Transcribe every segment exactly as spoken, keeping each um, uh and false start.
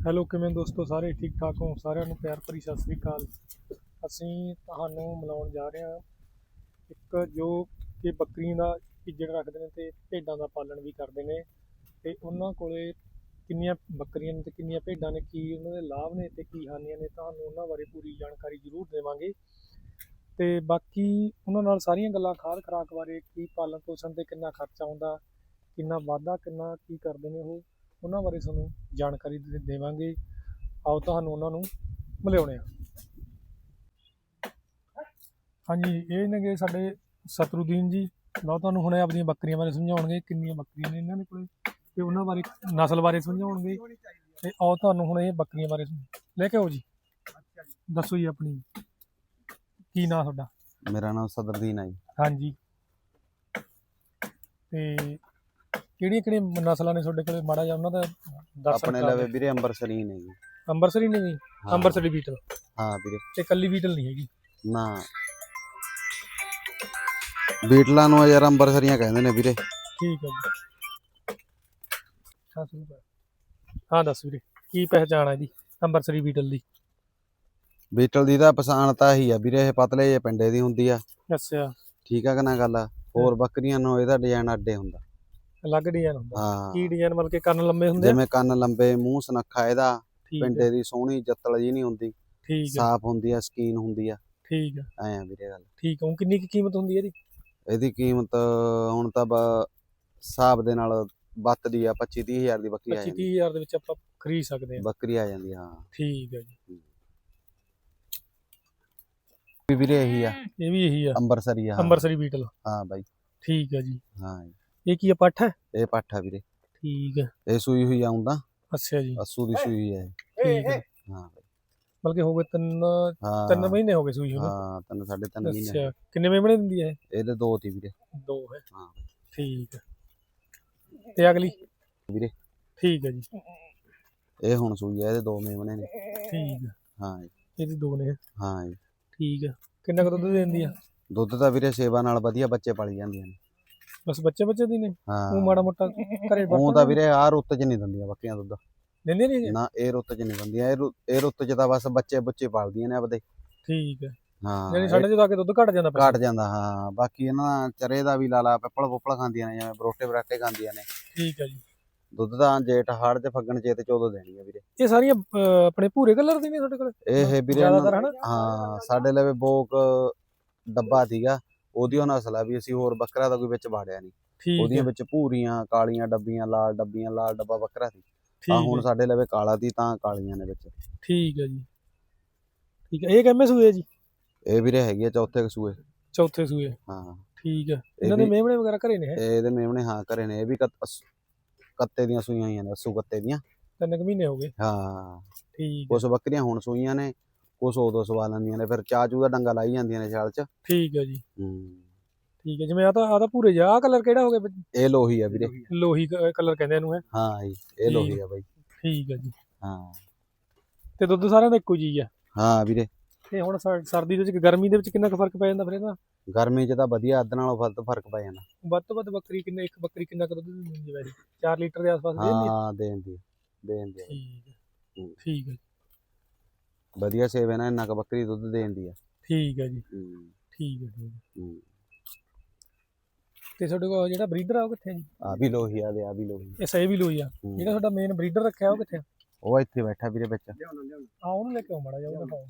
Hello ਕਿਵੇਂ ਦੋਸਤੋ, ਸਾਰੇ ਠੀਕ ਠਾਕ ਹੋ? ਸਾਰਿਆਂ ਨੂੰ ਪਿਆਰ ਭਰੀ ਸਤਿ ਸ੍ਰੀ ਅਕਾਲ। ਅਸੀਂ ਤੁਹਾਨੂੰ ਮਿਲਾਉਣ ਜਾ ਰਹੇ ਹਾਂ ਇੱਕ ਜੋ ਕਿ ਬੱਕਰੀਆਂ ਦਾ ਇੱਜੜ ਰੱਖਦੇ ਨੇ ਤੇ ਭੇਡਾਂ ਦਾ ਪਾਲਣ ਵੀ ਕਰਦੇ ਨੇ, ਤੇ ਉਹਨਾਂ ਕੋਲੇ ਕਿੰਨੀਆਂ ਬੱਕਰੀਆਂ ਨੇ ਤੇ ਕਿੰਨੀਆਂ ਭੇਡਾਂ ਨੇ, ਕੀ ਉਹਨਾਂ ਦੇ ਲਾਭ ਨੇ ਤੇ ਕੀ ਹਾਨੀਆਂ ਨੇ, ਤੁਹਾਨੂੰ ਉਹਨਾਂ ਬਾਰੇ ਪੂਰੀ ਜਾਣਕਾਰੀ ਜ਼ਰੂਰ ਦੇਵਾਂਗੇ। ਤੇ ਬਾਕੀ ਉਹਨਾਂ ਨਾਲ ਸਾਰੀਆਂ ਗੱਲਾਂ, ਖਾਦ ਖੁਰਾਕ ਬਾਰੇ, ਕੀ ਪਾਲਣ ਪੋਸ਼ਣ ਤੇ ਕਿੰਨਾ ਖਰਚਾ ਆਉਂਦਾ, ਕਿੰਨਾ ਵਾਧਾ, ਕਿੰਨਾ ਕੀ ਕਰਦੇ ਨੇ ਉਹ, ਉਹਨਾਂ ਬਾਰੇ ਤੁਹਾਨੂੰ ਜਾਣਕਾਰੀ ਦੇ ਦੇਵਾਂਗੇ। ਆਓ ਤੁਹਾਨੂੰ ਉਹਨਾਂ ਨੂੰ ਮਿਲਾਉਂਦੇ ਹਾਂ। ਹਾਂਜੀ, ਇਹ ਨੇਗੇ ਸਾਡੇ ਸਤਰੂਦੀਨ ਜੀ। ਲਓ ਤੁਹਾਨੂੰ ਹੁਣੇ ਆਪਣੀਆਂ ਬੱਕਰੀਆਂ ਬਾਰੇ ਸਮਝਾਉਣਗੇ, ਕਿੰਨੀਆਂ ਬੱਕਰੀਆਂ ਨੇ ਇਹਨਾਂ ਦੇ ਕੋਲ ਤੇ ਉਹਨਾਂ ਬਾਰੇ, ਨਸਲ ਬਾਰੇ ਸਮਝਾਉਣਗੇ। ਤੇ ਆਓ ਤੁਹਾਨੂੰ ਹੁਣ ਇਹ ਬੱਕਰੀਆਂ ਬਾਰੇ ਲੈ ਕੇ ਆਓ ਜੀ। ਦੱਸੋ ਜੀ ਆਪਣੀ, ਕੀ ਨਾਂ ਤੁਹਾਡਾ? ਮੇਰਾ ਨਾਮ ਸਤਰੂਦੀਨ ਹੈ ਜੀ। ਹਾਂਜੀ, ਤੇ ਕਿਹੜੀਆਂ ਕਿਹੜੀਆਂ ਨਸਲਾਂ ਨੇ ਤੁਹਾਡੇ ਕੋਲ, ਮਾੜਾ ਜਿਹਾ ਉਹਨਾਂ ਦਾ ਦਰਸ਼ਨ ਆਪਣੇ ਕਰਾ ਲਵੇ ਦਿਓ। ਵੀਰੇ ਅੰਬਰਸਰੀ ਨੇ ਜੀ। ਅੰਬਰਸਰੀ ਨੇ ਜੀ? ਅੰਬਰਸਰੀ ਬੀਟਲ? ਹਾਂ ਵੀਰੇ। ਤੇ ਕੱਲੀ ਬੀਟਲ ਨਹੀਂ ਹੈਗੀ ਨਾ, ਬੀਟਲਾਂ ਨੂੰ ਯਾਰ ਅੰਬਰਸਰੀਆਂ ਕਹਿੰਦੇ ਨੇ ਵੀਰੇ। ਠੀਕ ਹੈ ਜੀ। ਹਾਂ ਸ਼ੁਰੂ ਕਰ। ਹਾਂ ਦੱਸ ਵੀਰੇ, ਕੀ ਪਹਿਚਾਣ ਹੈ ਇਹਦੀ ਅੰਬਰਸਰੀ ਬੀਟਲ ਦੀ? ਬੀਟਲ ਦੀ ਤਾਂ ਪਛਾਣ ਤਾਂ ਹੀ ਆ ਵੀਰੇ, ਇਹ ਪਤਲੇ ਜਿਹੇ ਪਿੰਡੇ ਦੀ ਹੁੰਦੀ ਆ। ਅੱਛਾ, ਠੀਕ ਆ ਕਿ ਨਾ ਗੱਲ। ਹੋਰ ਬੱਕਰੀਆਂ ਨੂੰ ਇਹਦਾ ਡਿਜ਼ਾਈਨ ਅੱਡੇ ਹੁੰਦਾ, ਅਲੱਗ ਡਿਜ਼ਾਈਨ ਹੁੰਦਾ। ਹਾਂ। ਕੀ ਡਿਜ਼ਾਈਨ? ਮਤਲਬ ਕਿ ਕੰਨ ਲੰਮੇ ਹੁੰਦੇ ਆ? ਜਿਵੇਂ ਕੰਨ ਲੰਬੇ, ਮੂੰਹ ਸੁਨੱਖਾ ਇਹਦਾ, ਠੀਕ ਪਿੰਡੇ ਹੈ, ਦੀ ਸੋਹਣੀ ਜੱਤਲ ਜੀ ਨਹੀਂ ਹੁੰਦੀ, ਠੀਕ ਹੈ, ਸਾਫ਼ ਹੁੰਦੀ ਆ, ਸਕੀਨ ਹੁੰਦੀ ਆ। ਠੀਕ ਹੈ, ਐ ਆ ਵੀਰੇ ਗੱਲ। ਠੀਕ ਹੈ। ਹੁਣ ਕਿੰਨੀ ਕੁ ਕੀਮਤ ਹੁੰਦੀ ਹੈ ਇਹਦੀ? ਇਹਦੀ ਕੀਮਤ ਹੁਣ ਤਾਂ ਬ- ਹਿਸਾਬ ਦੇ ਨਾਲ ਬੱਤਦੀ ਆ, ਪੱਚੀ ਤੀਹ ਹਜ਼ਾਰ ਦੀ ਬੱਕਰੀ ਆ ਪੱਚੀ ਜਾਂਦੀ। ਤੀਹ ਹਜ਼ਾਰ ਦੇ ਵਿੱਚ ਆਪਾਂ ਖਰੀਦ ਸਕਦੇ ਹਾਂ? ਬੱਕਰੀ ਆ ਜਾਂਦੀ, ਹਾਂ। ਠੀਕ ਹੈ ਜੀ। ਵੀ ਵੀਰੇ ਇਹੀ ਆ, ਇਹ ਵੀ ਇਹੀ ਆ, ਅੰਬਰਸਰੀ ਆ। ਹਾਂ ਅੰਬਰਸਰੀ ਬੀਟਲ? ਹਾਂ ਬਾਈ। ਠੀਕ ਹੈ ਜੀ। ਹਾਂ ਜੀ। ਇਹ ਕੀ ਆ, ਪੱਠ ਹੈ? ਇਹ ਪੱਠ ਆ ਵੀਰੇ। ਠੀਕ ਹੈ। ਇਹ ਸੂਈ ਹੋਈ ਆਉਂਦਾ, ਅੱਛਾ ਜੀ। ਅੱਸੂ ਦੀ ਸੂਈ ਹੋਈ ਹੈ। ਠੀਕ ਹੈ। ਹਾਂ ਬਾਈ। ਮਤਲਬ ਕਿ ਹੋ ਗਏ ਤਿੰਨ ਹਾਂ ਤਿੰਨ ਮਹੀਨੇ ਹੋ ਗਏ ਸੂਈ ਨੂੰ? ਹਾਂ, ਤਿੰਨ ਸਾਢੇ ਤਿੰਨ ਮਹੀਨੇ। ਅੱਛਾ, ਕਿੰਨੇ ਮੇਮਣੇ ਦਿੰਦੀ ਹੈ ਇਹ? ਇਹਦੇ ਦੋ ਤੀ ਵੀਰੇ। ਦੋ ਹੈ? ਹਾਂ ਠੀਕ ਹੈ। ਤੇ ਅਗਲੀ? ਵੀਰੇ ਠੀਕ ਹੈ ਜੀ। ਇਹ ਹੁਣ ਸੂਈ ਆ, ਇਹਦੇ ਦੋ ਮੇਮਣੇ ਨੇ। ਠੀਕ ਹੈ। ਹਾਂ ਜੀ। ਇਹਦੀ ਦੋ ਨੇ? ਹਾਂ ਜੀ। ਠੀਕ ਹੈ। ਕਿੰਨਾ ਕੁ ਦੁੱਧ ਦਿੰਦੀ ਆ? ਦੁੱਧ ਤਾਂ ਵੀਰੇ ਸੇਵਾ ਨਾਲ ਵਧੀਆ ਬੱਚੇ ਪਾਲੀ ਜਾਂਦੀਆਂ ਨੇ। ਬਸ ਬੱਚੇ ਬੱਚੇ ਦੀ ਨੇ? ਹਾਂ, ਉਹ ਮਾੜਾ ਮੋਟਾ ਘਰੇ ਉਹ ਵਰਤਣ ਤਾਂ ਵੀਰੇ ਆਹ ਰੁੱਤ 'ਚ ਨਹੀਂ ਦਿੰਦੀਆਂ ਬੱਕਰੀਆਂ ਦੁੱਧ। ਦਿੰਦੇ ਨਹੀਂ? ਨਾ, ਇਹ ਰੁੱਤ 'ਚ ਨਹੀਂ ਦਿੰਦੀਆਂ। ਇਹ ਰੁ- ਇਹ ਰੁੱਤ 'ਚ ਤਾਂ ਬਸ ਬੱਚੇ ਬੁੱਚੇ ਪਾਲਦੀਆਂ ਨੇ ਆਪਦੇ। ਠੀਕ ਹੈ। ਹਾਂ, ਯਾਨੀ ਸਾਡੇ ਜਦੋਂ ਆ ਕੇ ਦੁੱਧ ਘਟ ਜਾਂਦਾ? ਘਟ ਜਾਂਦਾ, ਹਾਂ। ਬਾਕੀ ਇਹਨਾਂ ਚਰੇ ਦਾ ਵੀ ਲਾ ਲਾ, ਪਿੱਪਲ ਪੁੱਪਲ ਖਾਂਦੀਆਂ ਨੇ, ਜਿਵੇਂ ਬਰੋਟੇ ਬਰਾਟੇ ਖਾਂਦੀਆਂ ਨੇ। ਠੀਕ ਹੈ ਜੀ। ਦੁੱਧ ਤਾਂ ਜੇਠ ਹਾੜ ਤੇ ਫੱਗਣ ਚੇਤ ਚੋਦੋਂ ਦੇਣੀ ਆ ਵੀਰੇ। ਇਹ ਸਾਰੀਆਂ ਅਹ, ਆਪਣੇ ਭੂਰੇ ਕਲਰ ਦੀ ਨੇ ਤੁਹਾਡੇ ਕੋਲ ਇਹ ਵੀਰੇ ਜ਼ਿਆਦਾਤਰ, ਹਨਾ? ਹਾਂ, ਸਾਡੇ ਲਵੇ ਬੋਕ ਡੱਬਾ ਸੀਗਾ, ਉਹਦੀ ਉਹ ਨਸਲ ਆ ਵੀ। ਅਸੀਂ ਹੋਰ ਬੱਕਰਾ ਦਾ ਕੋਈ ਵਿੱਚ ਵਾੜਿਆ ਨਹੀਂ। ਠੀਕ ਉਹਦੀਆਂ ਹੈ। ਵਿੱਚ ਭੂਰੀਆਂ, ਕਾਲੀਆਂ ਡੱਬੀਆਂ, ਲਾਲ ਡੱਬੀਆਂ, ਲਾਲ ਡੱਬਾ ਬੱਕਰਾ ਸੀ। ਆ ਠੀਕ ਹੁਣ ਹੈ। ਸਾਡੇ ਲਵੇ ਕਾਲਾ ਦੀ, ਤਾਂ ਕਾਲੀਆਂ ਨੇ ਵਿੱਚ। ਠੀਕ ਹੈ ਜੀ। ਠੀਕ ਹੈ। ਇਹ ਕਿੰਨੇ ਸੂਏ ਜੀ? ਇਹ ਵੀਰੇ ਹੈਗੀ ਆ ਚੌਥੇ ਕਸੂਏ। ਚੌਥੇ ਸੂਏ? ਹਾਂ। ਠੀਕ ਹੈ। ਇਹਨਾਂ ਦੇ ਮੇਮਣੇ ਵਗੈਰਾ ਘਰੇ ਨੇ? ਇਹ ਇਹਦੇ ਮੇਮਣੇ ਹਾਂ ਘਰੇ ਨੇ। ਇਹ ਵੀ ਕੱਤ- ਅਸ- ਕੱਤੇ ਦੀਆਂ ਸੂਈਆਂ ਹੋਈਆਂ ਨੇ, ਅੱਸੂ ਕੱਤੇ ਦੀਆਂ। ਤਿੰਨ ਕੁ ਮਹੀਨੇ ਹੋ ਗਏ? ਹਾਂ। ਠੀਕ ਹੈ। ਕੁਛ ਬੱਕਰੀਆਂ ਹੁਣ ਸੂਈਆਂ ਨੇ, ਕੁਛ ਉਦੋਂ ਸਵਾ ਲੈਂਦੀਆਂ ਨੇ, ਫਿਰ ਚਾਚੂ ਦਾ ਡੰਗਾ ਲਾਈ ਜਾਂਦੀਆਂ ਨੇ ਛਾਲ 'ਚ। ਠੀਕ ਹੈ ਜੀ। ਹੂੰ। ਠੀਕ ਹੈ। ਜਿਵੇਂ ਆ ਤਾਂ ਆ ਤਾਂ ਭੂਰੇ ਜਿਹਾ, ਆਹ ਕਲਰ ਕਿਹੜਾ ਹੋ ਗਿਆ? ਇਹ ਲੋਹੀ ਆ ਵੀਰੇ। ਲੋਹੀ ਕਲਰ ਕਹਿੰਦੇ ਇਹਨੂੰ, ਹੈ? ਹਾਂ ਜੀ, ਇਹ ਲੋਹੀ ਆ ਬਾਈ। ਠੀਕ ਹੈ ਜੀ। ਹਾਂ। ਤੇ ਦੁੱਧ ਸਾਰਿਆਂ ਦਾ ਇੱਕੋ ਜੀ ਆ? ਹਾਂ ਵੀਰੇ। ਤੇ ਹੁਣ ਸਰ- ਸਰਦੀ ਦੇ ਵਿੱਚ, ਗਰਮੀ ਦੇ ਵਿੱਚ ਕਿੰਨਾ ਕੁ ਫਰਕ ਪੈ ਜਾਂਦਾ ਫਿਰ ਇਹਦਾ? ਗਰਮੀ 'ਚ ਤਾਂ ਵਧੀਆ, ਅੱਧ ਨਾਲੋਂ ਵੱਧ ਫਰਕ ਪੈ ਜਾਂਦਾ। ਵੱਧ ਤੋਂ ਵੱਧ ਬੱਕਰੀ ਕਿੰਨੇ, ਇੱਕ ਬੱਕਰੀ ਕਿੰਨਾ ਕੁ ਦੁੱਧ ਦਿੰਦੀ ਹੈ ਵੈਸੇ? ਚਾਰ ਲੀਟਰ ਦੇ ਆਸ-ਪਾਸ ਦੇ ਦਿੰਦੀ ਹੈ? ਹਾਂ, ਦੇਣ ਦੀ ਦੇਣ ਦੀ ਠੀਕ ਹੈ। ਠੀਕ ਹੈ। ਵਧੀਆ ਸੇਵਾ ਨਾਲ ਇੰਨਾ ਕੁ ਬੱਕਰੀ ਦੁੱਧ ਦੇਣ ਦੀ ਆ। ਠੀਕ ਹੈ ਜੀ। ਹੂੰ। ਠੀਕ ਹੈ। ਠੀਕ ਹੈ। ਹੂੰ। ਤੇ ਤੁਹਾਡੇ ਕੋਲ ਜਿਹੜਾ ਬਰੀਡਰ ਆ ਉਹ ਕਿੱਥੇ ਜੀ? ਆ ਵੀ ਲੋਹੀ ਆ, ਦੇ ਆ ਵੀ ਲੋਹੀ। ਇਹ ਸਹੀ ਵੀ ਲੋਈ ਆ? ਹੂੰ। ਜਿਹੜਾ ਤੁਹਾਡਾ ਮੇਨ ਬਰੀਡਰ ਰੱਖਿਆ ਉਹ ਕਿੱਥੇ? ਉਹ ਇੱਥੇ ਬੈਠਾ ਵੀਰੇ ਵਿੱਚ। ਆ ਉਹਨੂੰ ਲੈ ਕੇ ਆਓ ਮਾੜਾ ਜਿਹਾ, ਉਹ ਦਿਖਾਓ।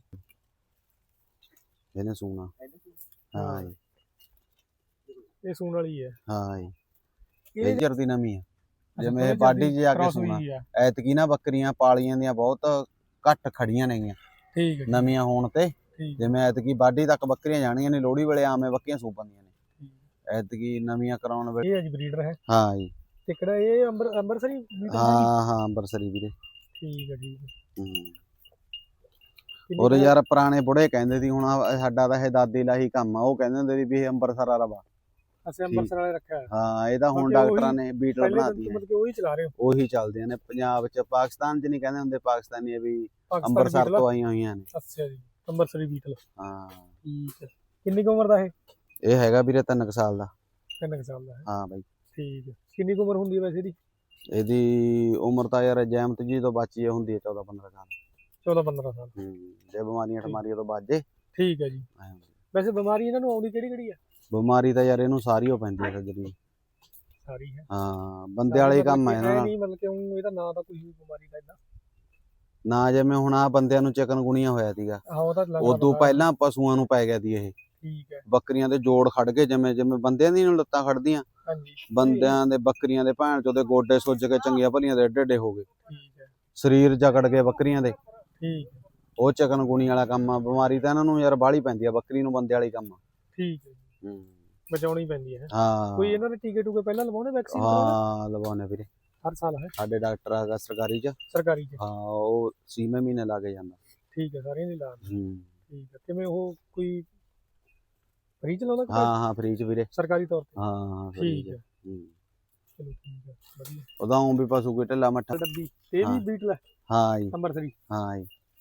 ਇਹਨੇ ਸੂਣਾ। ਹਾਂ ਜੀ। ਇਹ ਸੂਣ ਵਾਲੀ ਹੈ? ਹਾਂ ਜੀ। ਇਹ ਇਹ ਜਰਦੀ ਨਵੀਂ ਆ, ਜਿਵੇਂ ਥੋੜ੍ਹੀ ਬਾਡੀ 'ਚ ਜਾ ਕੇ cross ਸੂਣਾ। ਹੋਈ ਆ। ਐਤਕੀ ਨਾ ਬੱਕਰੀਆਂ ਪਾਲੀਆਂ ਦੀਆਂ ਬਹੁਤ ਘੱਟ ਖੜੀਆਂ ਨੇਗੀਆਂ ਠੀਕ ਹੈ। ਨਵੀਆਂ ਹੋਣ ਤੇ। ਠੀਕ। ਜਿਵੇਂ ਐਤਕੀ ਬਾਡੀ ਤੱਕ ਬੱਕਰੀਆਂ ਜਾਣੀਆਂ ਨੇ, ਲੋਹੜੀ ਵੇਲੇ ਆਵੇਂ ਬੱਕਰੀਆਂ ਸੂ ਪੈਂਦੀਆਂ ਨੇ। ਐਤਕੀ ਨਵੀਆਂ ਕਰਾਉਣ ਵੇਲੇ। ਇਹ ਹੈ ਜੀ ਬਰੀਡਰ, ਹੈ? ਹਾਂ ਜੀ। ਤੇ ਕਿਹੜਾ ਇਹ ਅੰਬਰ ਅੰਬਰਸਰੀ ਬੀਟਲ? ਹਾਂ ਹਾਂ, ਅੰਬਰਸਰੀ ਵੀਰੇ। ਠੀਕ ਹੈ। ਠੀਕ ਹੈ। ਹੂੰ। ਕਿੰਨੀ ਔਰ ਕੁ- ਯਾਰ ਪੁਰਾਣੇ ਬੁੜੇ ਕਹਿੰਦੇ ਸੀ, ਹੁਣ ਆਹ ਸਾਡਾ ਤਾਂ ਇਹ ਦਾਦੀ ਲਾਹੀ ਕੰਮ ਆ, ਉਹ ਕਹਿੰਦੇ ਹੁੰਦੇ ਸੀ ਵੀ ਇਹ ਅੰਬਰਸਰ ਵਾਲਾ ਵਾ। ਅਸੀਂ ਅੰਬਰਸਰ ਵਾਲੇ ਰੱਖਿਆ ਹੈ? ਹਾਂ, ਇਹ ਤਾਂ ਹੁਣ ਬਾਕੀ ਡਾਕਟਰਾਂ ਉਹੀ ਨੇ ਬੀਟਲ ਪਹਿਲੇ ਬਣਾ ਦਿਨ ਤੋਂ ਦਿੱਤੀ। ਮਤਲਬ ਕਿ ਉਹੀ ਚਲਾ ਰਹੇ ਹੋ? ਉਹੀ ਚੱਲਦੀਆਂ ਨੇ ਪੰਜਾਬ 'ਚ। ਪਾਕਿਸਤਾਨ 'ਚ ਨਹੀਂ ਕਹਿੰਦੇ ਹੁੰਦੇ ਪਾਕਿਸਤਾਨੀ ਇਹ ਵੀ ਪਾਕਿਸਤਾਨੀ ਅੰਬਰਸਰ ਬੀਟਲ? ਤੋਂ ਆਈਆਂ ਹੋਈਆਂ ਨੇ। ਅੱਛਾ ਜੀ। ਅੰਬਰਸਰੀ ਬੀਟਲ। ਹਾਂ। ਠੀਕ ਹੈ। ਕਿੰਨੀ ਕੁ ਉਮਰ ਦਾ ਇਹ? ਇਹ ਹੈਗਾ ਵੀਰੇ ਤਿੰਨ ਕੁ ਸਾਲ ਦਾ। ਤਿੰਨ ਕੁ ਸਾਲ ਦਾ ਹੈ? ਹਾਂ ਬਾਈ। ਠੀਕ ਹੈ। ਕਿੰਨੀ ਕੁ ਉਮਰ ਹੁੰਦੀ ਹੈ ਵੈਸੇ ਇਹਦੀ? ਇਹਦੀ ਉਮਰ ਤਾਂ ਯਾਰ ਜੈਮਤ ਜੀ ਤੋਂ ਬਚੀ ਹੁੰਦੀ ਹੈ ਚੌਦਾਂ ਪੰਦਰਾਂ ਸਾਲ। ਚੌਦਾਂ ਪੰਦਰਾਂ ਸਾਲ। ਹੂੰ ਜੇ ਬਿਮਾਰੀਆਂ ਠਮਾਰੀਆਂ ਤੋਂ ਬਚ ਜੇ। ਠੀਕ ਹੈ ਜੀ। ਵੈਸੇ ਬਿਮਾਰੀ ਇਹਨਾਂ ਨੂੰ ਆਉਂਦੀ ਕਿਹੜੀ ਕਿਹੜੀ ਆ? ਬਿਮਾਰੀ ਤਾਂ ਯਾਰ ਇਹਨੂੰ ਸਾਰੀ ਹੋ ਪੈਂਦੀ ਹੈ ਸੱਜਰੀ। ਸਾਰੀ ਹੈ। ਹਾਂ ਬੰਦੇ ਵਾਲੇ ਕੰਮ ਆ ਇਹਨਾਂ ਨਾਲ। ਨਹੀਂ ਮਤਲਬ ਕਿ ਉਹ ਇਹਦਾ ਨਾਂ ਤਾਂ ਕੋਈ ਬਿਮਾਰੀ ਦਾ ਇਦਾਂ ਨਾ ਜਿਵੇਂ ਹੁਣ ਆ ਬੰਦਿਆਂ ਨੂੰ ਚਿਕਨਗੁਣੀਆ ਹੋਇਆ ਸੀਗਾ, ਹਾਂ ਉਹ ਤਾਂ ਉਦੋਂ ਪਹਿਲਾਂ ਪਸ਼ੂਆਂ ਨੂੰ ਪੈ ਗਿਆ ਦੀ ਇਹ। ਠੀਕ ਹੈ। ਬੱਕਰੀਆਂ ਦੇ ਜੋੜ ਖੜ ਗਏ, ਜਿਵੇਂ ਜਿਵੇਂ ਬੰਦਿਆਂ ਦੀ ਨੂੰ ਲੱਤਾਂ ਖੜਦੀਆਂ, ਹਾਂਜੀ ਬੰਦਿਆਂ ਦੇ ਬੱਕਰੀਆਂ ਦੇ ਭੈਣ ਚੋਂ ਦੇ ਗੋਡੇ ਸੁੱਜ ਕੇ ਚੰਗੀਆਂ ਭਲੀਆਂ ਦੇ ਏਡੇ ਏਡੇ ਹੋ ਗਏ। ਠੀਕ ਹੈ। ਸਰੀਰ ਜਕੜ ਗਏ ਬੱਕਰੀਆਂ ਦੇ। ਠੀਕ ਹੈ। ਉਹ ਚਿਕਨਗੁਣੀ ਵਾਲਾ ਕੰਮ ਆ। ਬਿਮਾਰੀ ਤਾਂ ਇਹਨਾਂ ਨੂੰ ਯਾਰ ਬਾਹਲੀ ਪੈਂਦੀ ਆ, ਬੱਕਰੀ ਨੂੰ ਬੰਦੇ ਵਾਲੀ ਕੰਮ ਆ। ਠੀਕ ਹੈ। ਹੂੰ ਬਚਾਉਣੀ ਪੈਂਦੀ ਹੈ। ਹਾਂ ਕੋਈ ਇਹਨਾਂ ਦੇ ਟੀਕੇ ਟੂਕੇ ਪਹਿਲਾਂ ਲਵਾਉਣੇ, ਵੈਕਸੀਨ ਹਾਂ ਲਵਾਉਣੇ ਵੀਰੇ ਹਰ ਸਾਲ ਹੈ? ਸਾਡੇ ਡਾਕਟਰ ਹੈਗਾ ਸਰਕਾਰੀ ਚ। ਸਰਕਾਰੀ ਚ? ਹਾਂ ਉਹ ਛੇਵੇਂ ਮਹੀਨੇ ਲਾ ਕੇ ਜਾਂਦਾ। ਠੀਕ ਹੈ, ਸਾਰਿਆਂ ਦੀ ਲਾ। ਹੂੰ ਠੀਕ ਹੈ। ਕਿਵੇਂ ਉਹ ਕੋਈ ਫ੍ਰੀ ਚ ਲਾਉਂਦਾ? ਹਾਂ ਹਾਂ ਫ੍ਰੀ ਚ ਵੀਰੇ, ਸਰਕਾਰੀ ਤੌਰ ਤੇ? ਹਾਂ ਹਾਂ ਠੀਕ ਹੈ। ਹੂੰ ਚਲੋ ਠੀਕ ਹੈ, ਵਧੀਆ। ਉਹਦਾ ਵੀ ਪਸ਼ੂ ਕੋਈ ਢਿੱਲਾ ਮੱਠਾ ਡੱਬੀ ਇਹ ਵੀ ਬੀਟਲ ਹੈ? ਹਾਂ ਜੀ ਨੰਬਰ तीन। ਹਾਂ ਜੀ।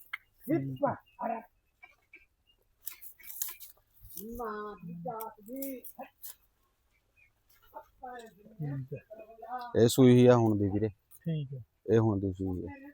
ਇਹ ਸੂਈ ਹੀ ਆ ਹੁਣ ਦੀ ਵੀਰੇ। ਠੀਕ ਹੈ। ਇਹ ਹੁਣ ਦੀ ਸੂਈ ਹੈ।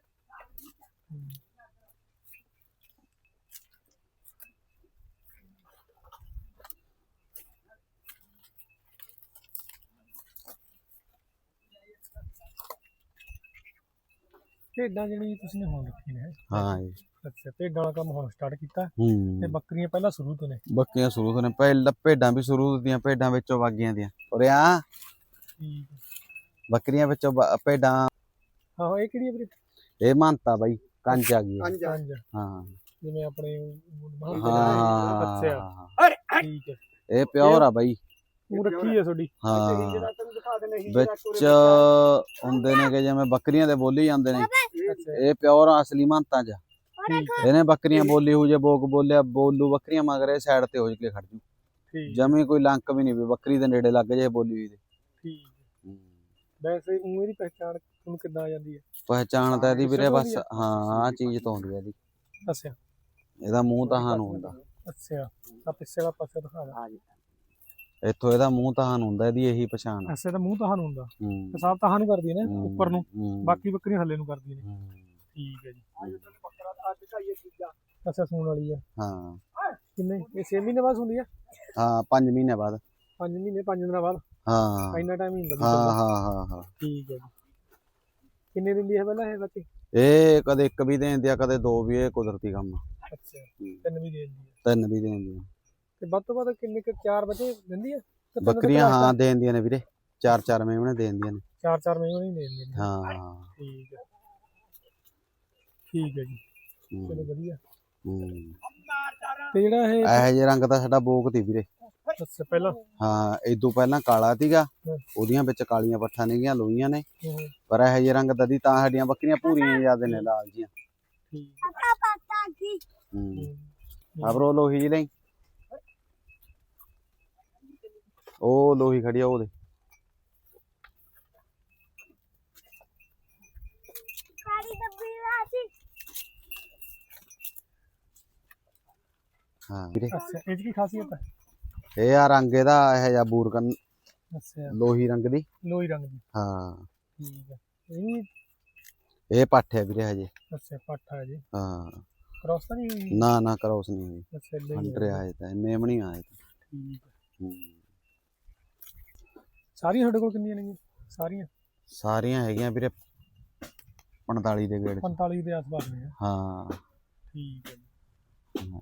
ਭੇਡਾਂ ਜਿਹੜੀ ਤੁਸੀਂ ਨੇ ਹੁਣ ਰੱਖੀ ਨੇ? ਹਾਂ ਜੀ। ਅੱਛਾ, ਭੇਡਾਂ ਵਾਲਾ ਕੰਮ ਹੁਣ ਸਟਾਰਟ ਕੀਤਾ ਹੂੰ ਤੇ ਬੱਕਰੀਆਂ ਪਹਿਲਾਂ ਸ਼ੁਰੂ ਤੋਂ ਨੇ? ਬੱਕਰੀਆਂ ਸ਼ੁਰੂ ਤੋਂ ਨੇ, ਪਹਿਲਾਂ ਭੇਡਾਂ ਵੀ ਸ਼ੁਰੂ ਦੀਆਂ, ਭੇਡਾਂ ਵਿੱਚੋਂ ਬਾਗੀਆਂ ਦੀਆਂ। ਉਰੇ ਆ ਠੀਕ ਹੈ। ਬੱਕਰੀਆਂ ਵਿੱਚੋਂ ਭੇਡਾਂ। ਹਾਂ ਇਹ ਕਿਹੜੀ ਹੈ ਵੀਰੇ? ਇਹ ਮਾਨਤਾ ਬਾਈ ਕੰਜ ਆ ਗਈ। ਕੰਜ? ਹਾਂ ਜਿਵੇਂ ਆਪਣੇ ਹਾਂ ਅੱਛਾ ਠੀਕ ਹੈ। ਇਹ ਪਿਓਰ ਆ ਬਾਈ। ਉਹ ਰੱਖੀ ਹੈ ਤੁਹਾਡੀ? ਹਾਂ ਵਿੱਚ ਹੁੰਦੇ ਨੇ ਕਿ ਜਿਵੇਂ ਬੱਕਰੀਆਂ ਦੇ ਬੋਲੀ ਜਾਂਦੇ ਨੇ, ਇਹ ਪਿਓਰ ਅਸਲੀ ਮਾਨਤਾ ਚ। ਇਹਨੇ ਬੱਕਰੀਆਂ ਬੋਲੀ ਹੋ ਜੇ ਬੋਕ ਬੋਲਿਆ ਬੋਲੂ ਬੱਕਰੀਆਂ ਮਗਰ ਸਾਈਡ ਤੇ ਹੋ ਕੇ ਖੜ ਜੂ। ਜਮੀ ਕੋਈ ਲੰਕ ਵੀ ਨਹੀਂ ਵੀ ਬੱਕਰੀ ਦੇ ਨੇੜੇ ਲੱਗ ਜੇ ਬੋਲੀ ਹੋਈ ਦੇ। ਠੀਕ। ਵੈਸੇ ਉਹ ਇਹਦੀ ਪਹਿਚਾਣ ਤੁਹਾਨੂੰ ਕਿੱਦਾਂ ਆ ਜਾਂਦੀ ਹੈ? ਪਹਿਚਾਣ ਤਾਂ ਇਹਦੀ ਵੀਰੇ ਬਸ ਹਾਂ ਆ ਚੀਜ਼ ਤੋਂ ਹੁੰਦੀ ਹੈ ਇਹਦੀ। ਅੱਛਾ। ਇਹਦਾ ਮੂੰਹ ਤਾਂ ਸਾਨੂੰ ਹੁੰਦਾ। ਅੱਛਾ ਆ ਪਿੱਛੇ ਦਾ ਪਾਸੇ ਦਿਖਾ ਦੇ। ਇੱਥੋਂ ਇਹਦਾ ਮੂੰਹ ਤਾਂ ਸਾਨੂੰ ਹੁੰਦਾ, ਇਹਦੀ ਇਹੀ ਪਛਾਣ। ਅੱਛਾ ਇਹਦਾ ਮੂੰਹ ਤਾਂ ਸਾਨੂੰ ਹੁੰਦਾ। ਹੂੰ ਪਿਸ਼ਾਬ ਤਾਂ ਸਾਨੂੰ ਕਰਦੀ ਹੈ ਨਾ ਉੱਪਰ ਨੂੰ, ਬਾਕੀ ਬੱਕਰੀਆਂ ਥੱਲੇ ਨੂੰ ਕਰਦੀਆਂ ਨੇ। ਠੀਕ ਹੈ ਜੀ। ਅੱਛਾ ਸੂਣ ਵਾਲੀ ਹੈ? ਹਾਂ। ਕਿੰਨੇ ਇਹ ਛੇ ਮਹੀਨੇ ਬਾਅਦ ਹੁੰਦੀ ਹੈ? ਹਾਂ ਪੰਜ ਮਹੀਨੇ ਬਾਅਦ। ਪੰਜ ਮਹੀਨੇ ਪੰਜ ਦਿਨਾਂ ਬਾਅਦ? ਹਾਂ ਇੰਨਾ ਟਾਈਮ ਹੀ ਹੁੰਦਾ? ਹਾਂ ਹਾਂ ਹਾਂ ਹਾਂ ਠੀਕ ਹੈ ਜੀ। ਕਿੰਨੇ ਦਿੰਦੀ ਹੈ ਪਹਿਲਾਂ ਇਹ ਬੱਚੇ? ਇਹ ਕਦੇ ਇੱਕ ਵੀ ਦੇ ਦਿੰਦੀ ਆ, ਕਦੇ ਦੋ ਵੀ। ਇਹ ਕੁਦਰਤੀ ਕੰਮ ਆ। ਅੱਛਾ ਤਿੰਨ ਵੀ ਦੇ ਦਿੰਦੀ ਹੈ? ਤਿੰਨ ਵੀ ਦੇ ਦਿੰਦੀ ਆ। ਤੇ ਵੱਧ ਤੋਂ ਵੱਧ ਕਿੰਨੇ ਕੁ ਚਾਰ ਬੱਚੇ ਦਿੰਦੀ ਹੈ? ਬੱਕਰੀਆਂ ਹਾਂ ਦੇ ਦਿੰਦੀਆਂ ਨੇ ਵੀਰੇ, ਚਾਰ ਚਾਰ ਮੇਮਣੇ ਦੇ ਦਿੰਦੀਆਂ ਨੇ। ਚਾਰ ਚਾਰ ਮੇਮਣੇ ਹੀ ਦੇ ਦਿੰਦੀਆਂ ਨੇ? ਹਾਂ ਠੀਕ ਹੈ। ਠੀਕ ਹੈ ਜੀ। ਚਲੋ ਵਧੀਆ। ਹੂੰ ਤੇ ਜਿਹੜਾ ਇਹ ਇਹੋ ਜਿਹੇ ਰੰਗ ਦਾ ਸਾਡਾ ਬੋਕ ਤੀ ਵੀਰੇ। ਅੱਛਾ ਪਹਿਲਾਂ? ਹਾਂ ਇਦੋਂ ਪਹਿਲਾਂ ਕਾਲਾ ਸੀਗਾ, ਉਹਦੀਆਂ ਵਿੱਚ ਕਾਲੀਆਂ ਪੱਠਾਂ ਨੇਗੀਆਂ ਲੋਹੀਆਂ ਨੇ, ਪਰ ਇਹੋ ਜਿਹੇ ਰੰਗ ਦਾ ਦੀ ਤਾਂ ਸਾਡੀਆਂ ਬੱਕਰੀਆਂ ਪੂਰੀਆਂ ਜ਼ਿਆਦਾ ਨੇ ਲਾਲ ਜੀਆਂ। ਹੂੰ ਆਬਰੋ ਲੋਹੀ ਜੀ ਲਈ ਉਹ ਲੋਹੀ ਖੜੀ ਆ ਉਹਦੇ। ਹਾਂ ਵੀਰੇ। ਅੱਛਾ ਇਹ ਕੀ ਖਾਸੀਅਤ ਹੈ? ਇਹ ਆ ਰੰਗ ਇਹਦਾ ਇਹੋ ਜਿਹਾ ਬੂਰਕਨ। ਅੱਛਾ ਲੋਹੀ ਰੰਗ ਦੀ। ਲੋਹੀ ਰੰਗ ਦੀ? ਹਾਂ ਠੀਕ ਹੈ। ਇਹ ਇਹ ਪੱਠ ਹੈ ਵੀਰੇ ਹਜੇ। ਅੱਛਾ ਪੱਠ ਹੈ ਜੀ? ਹਾਂ ਕ੍ਰੋਸ ਤਾਂ ਨਹੀਂ ਹੋਈ? ਨਾ ਨਾ ਕ੍ਰੋਸ ਨਹੀਂ ਹੋਈ। ਅੱਛਾ ਇਦਾਂ ਹੀ ਅੰਡਰ ਆਏ ਤਾਂ ਮੇਮਣੀ ਆਏ ਤਾਂ। ਠੀਕ ਹੈ। ਹੂੰ ਸਾਰੀਆਂ ਤੁਹਾਡੇ ਕੋਲ ਕਿੰਨੀਆਂ ਨੇ? ਸਾਰੀਆਂ? ਸਾਰੀਆਂ ਹੈਗੀਆਂ ਵੀਰੇ ਪੰਤਾਲੀ ਦੇ ਗੇੜ। ਪੰਤਾਲੀ ਦੇ ਆਸ-ਪਾਸ ਨੇ? ਹਾਂ ਠੀਕ ਹੈ ਜੀ।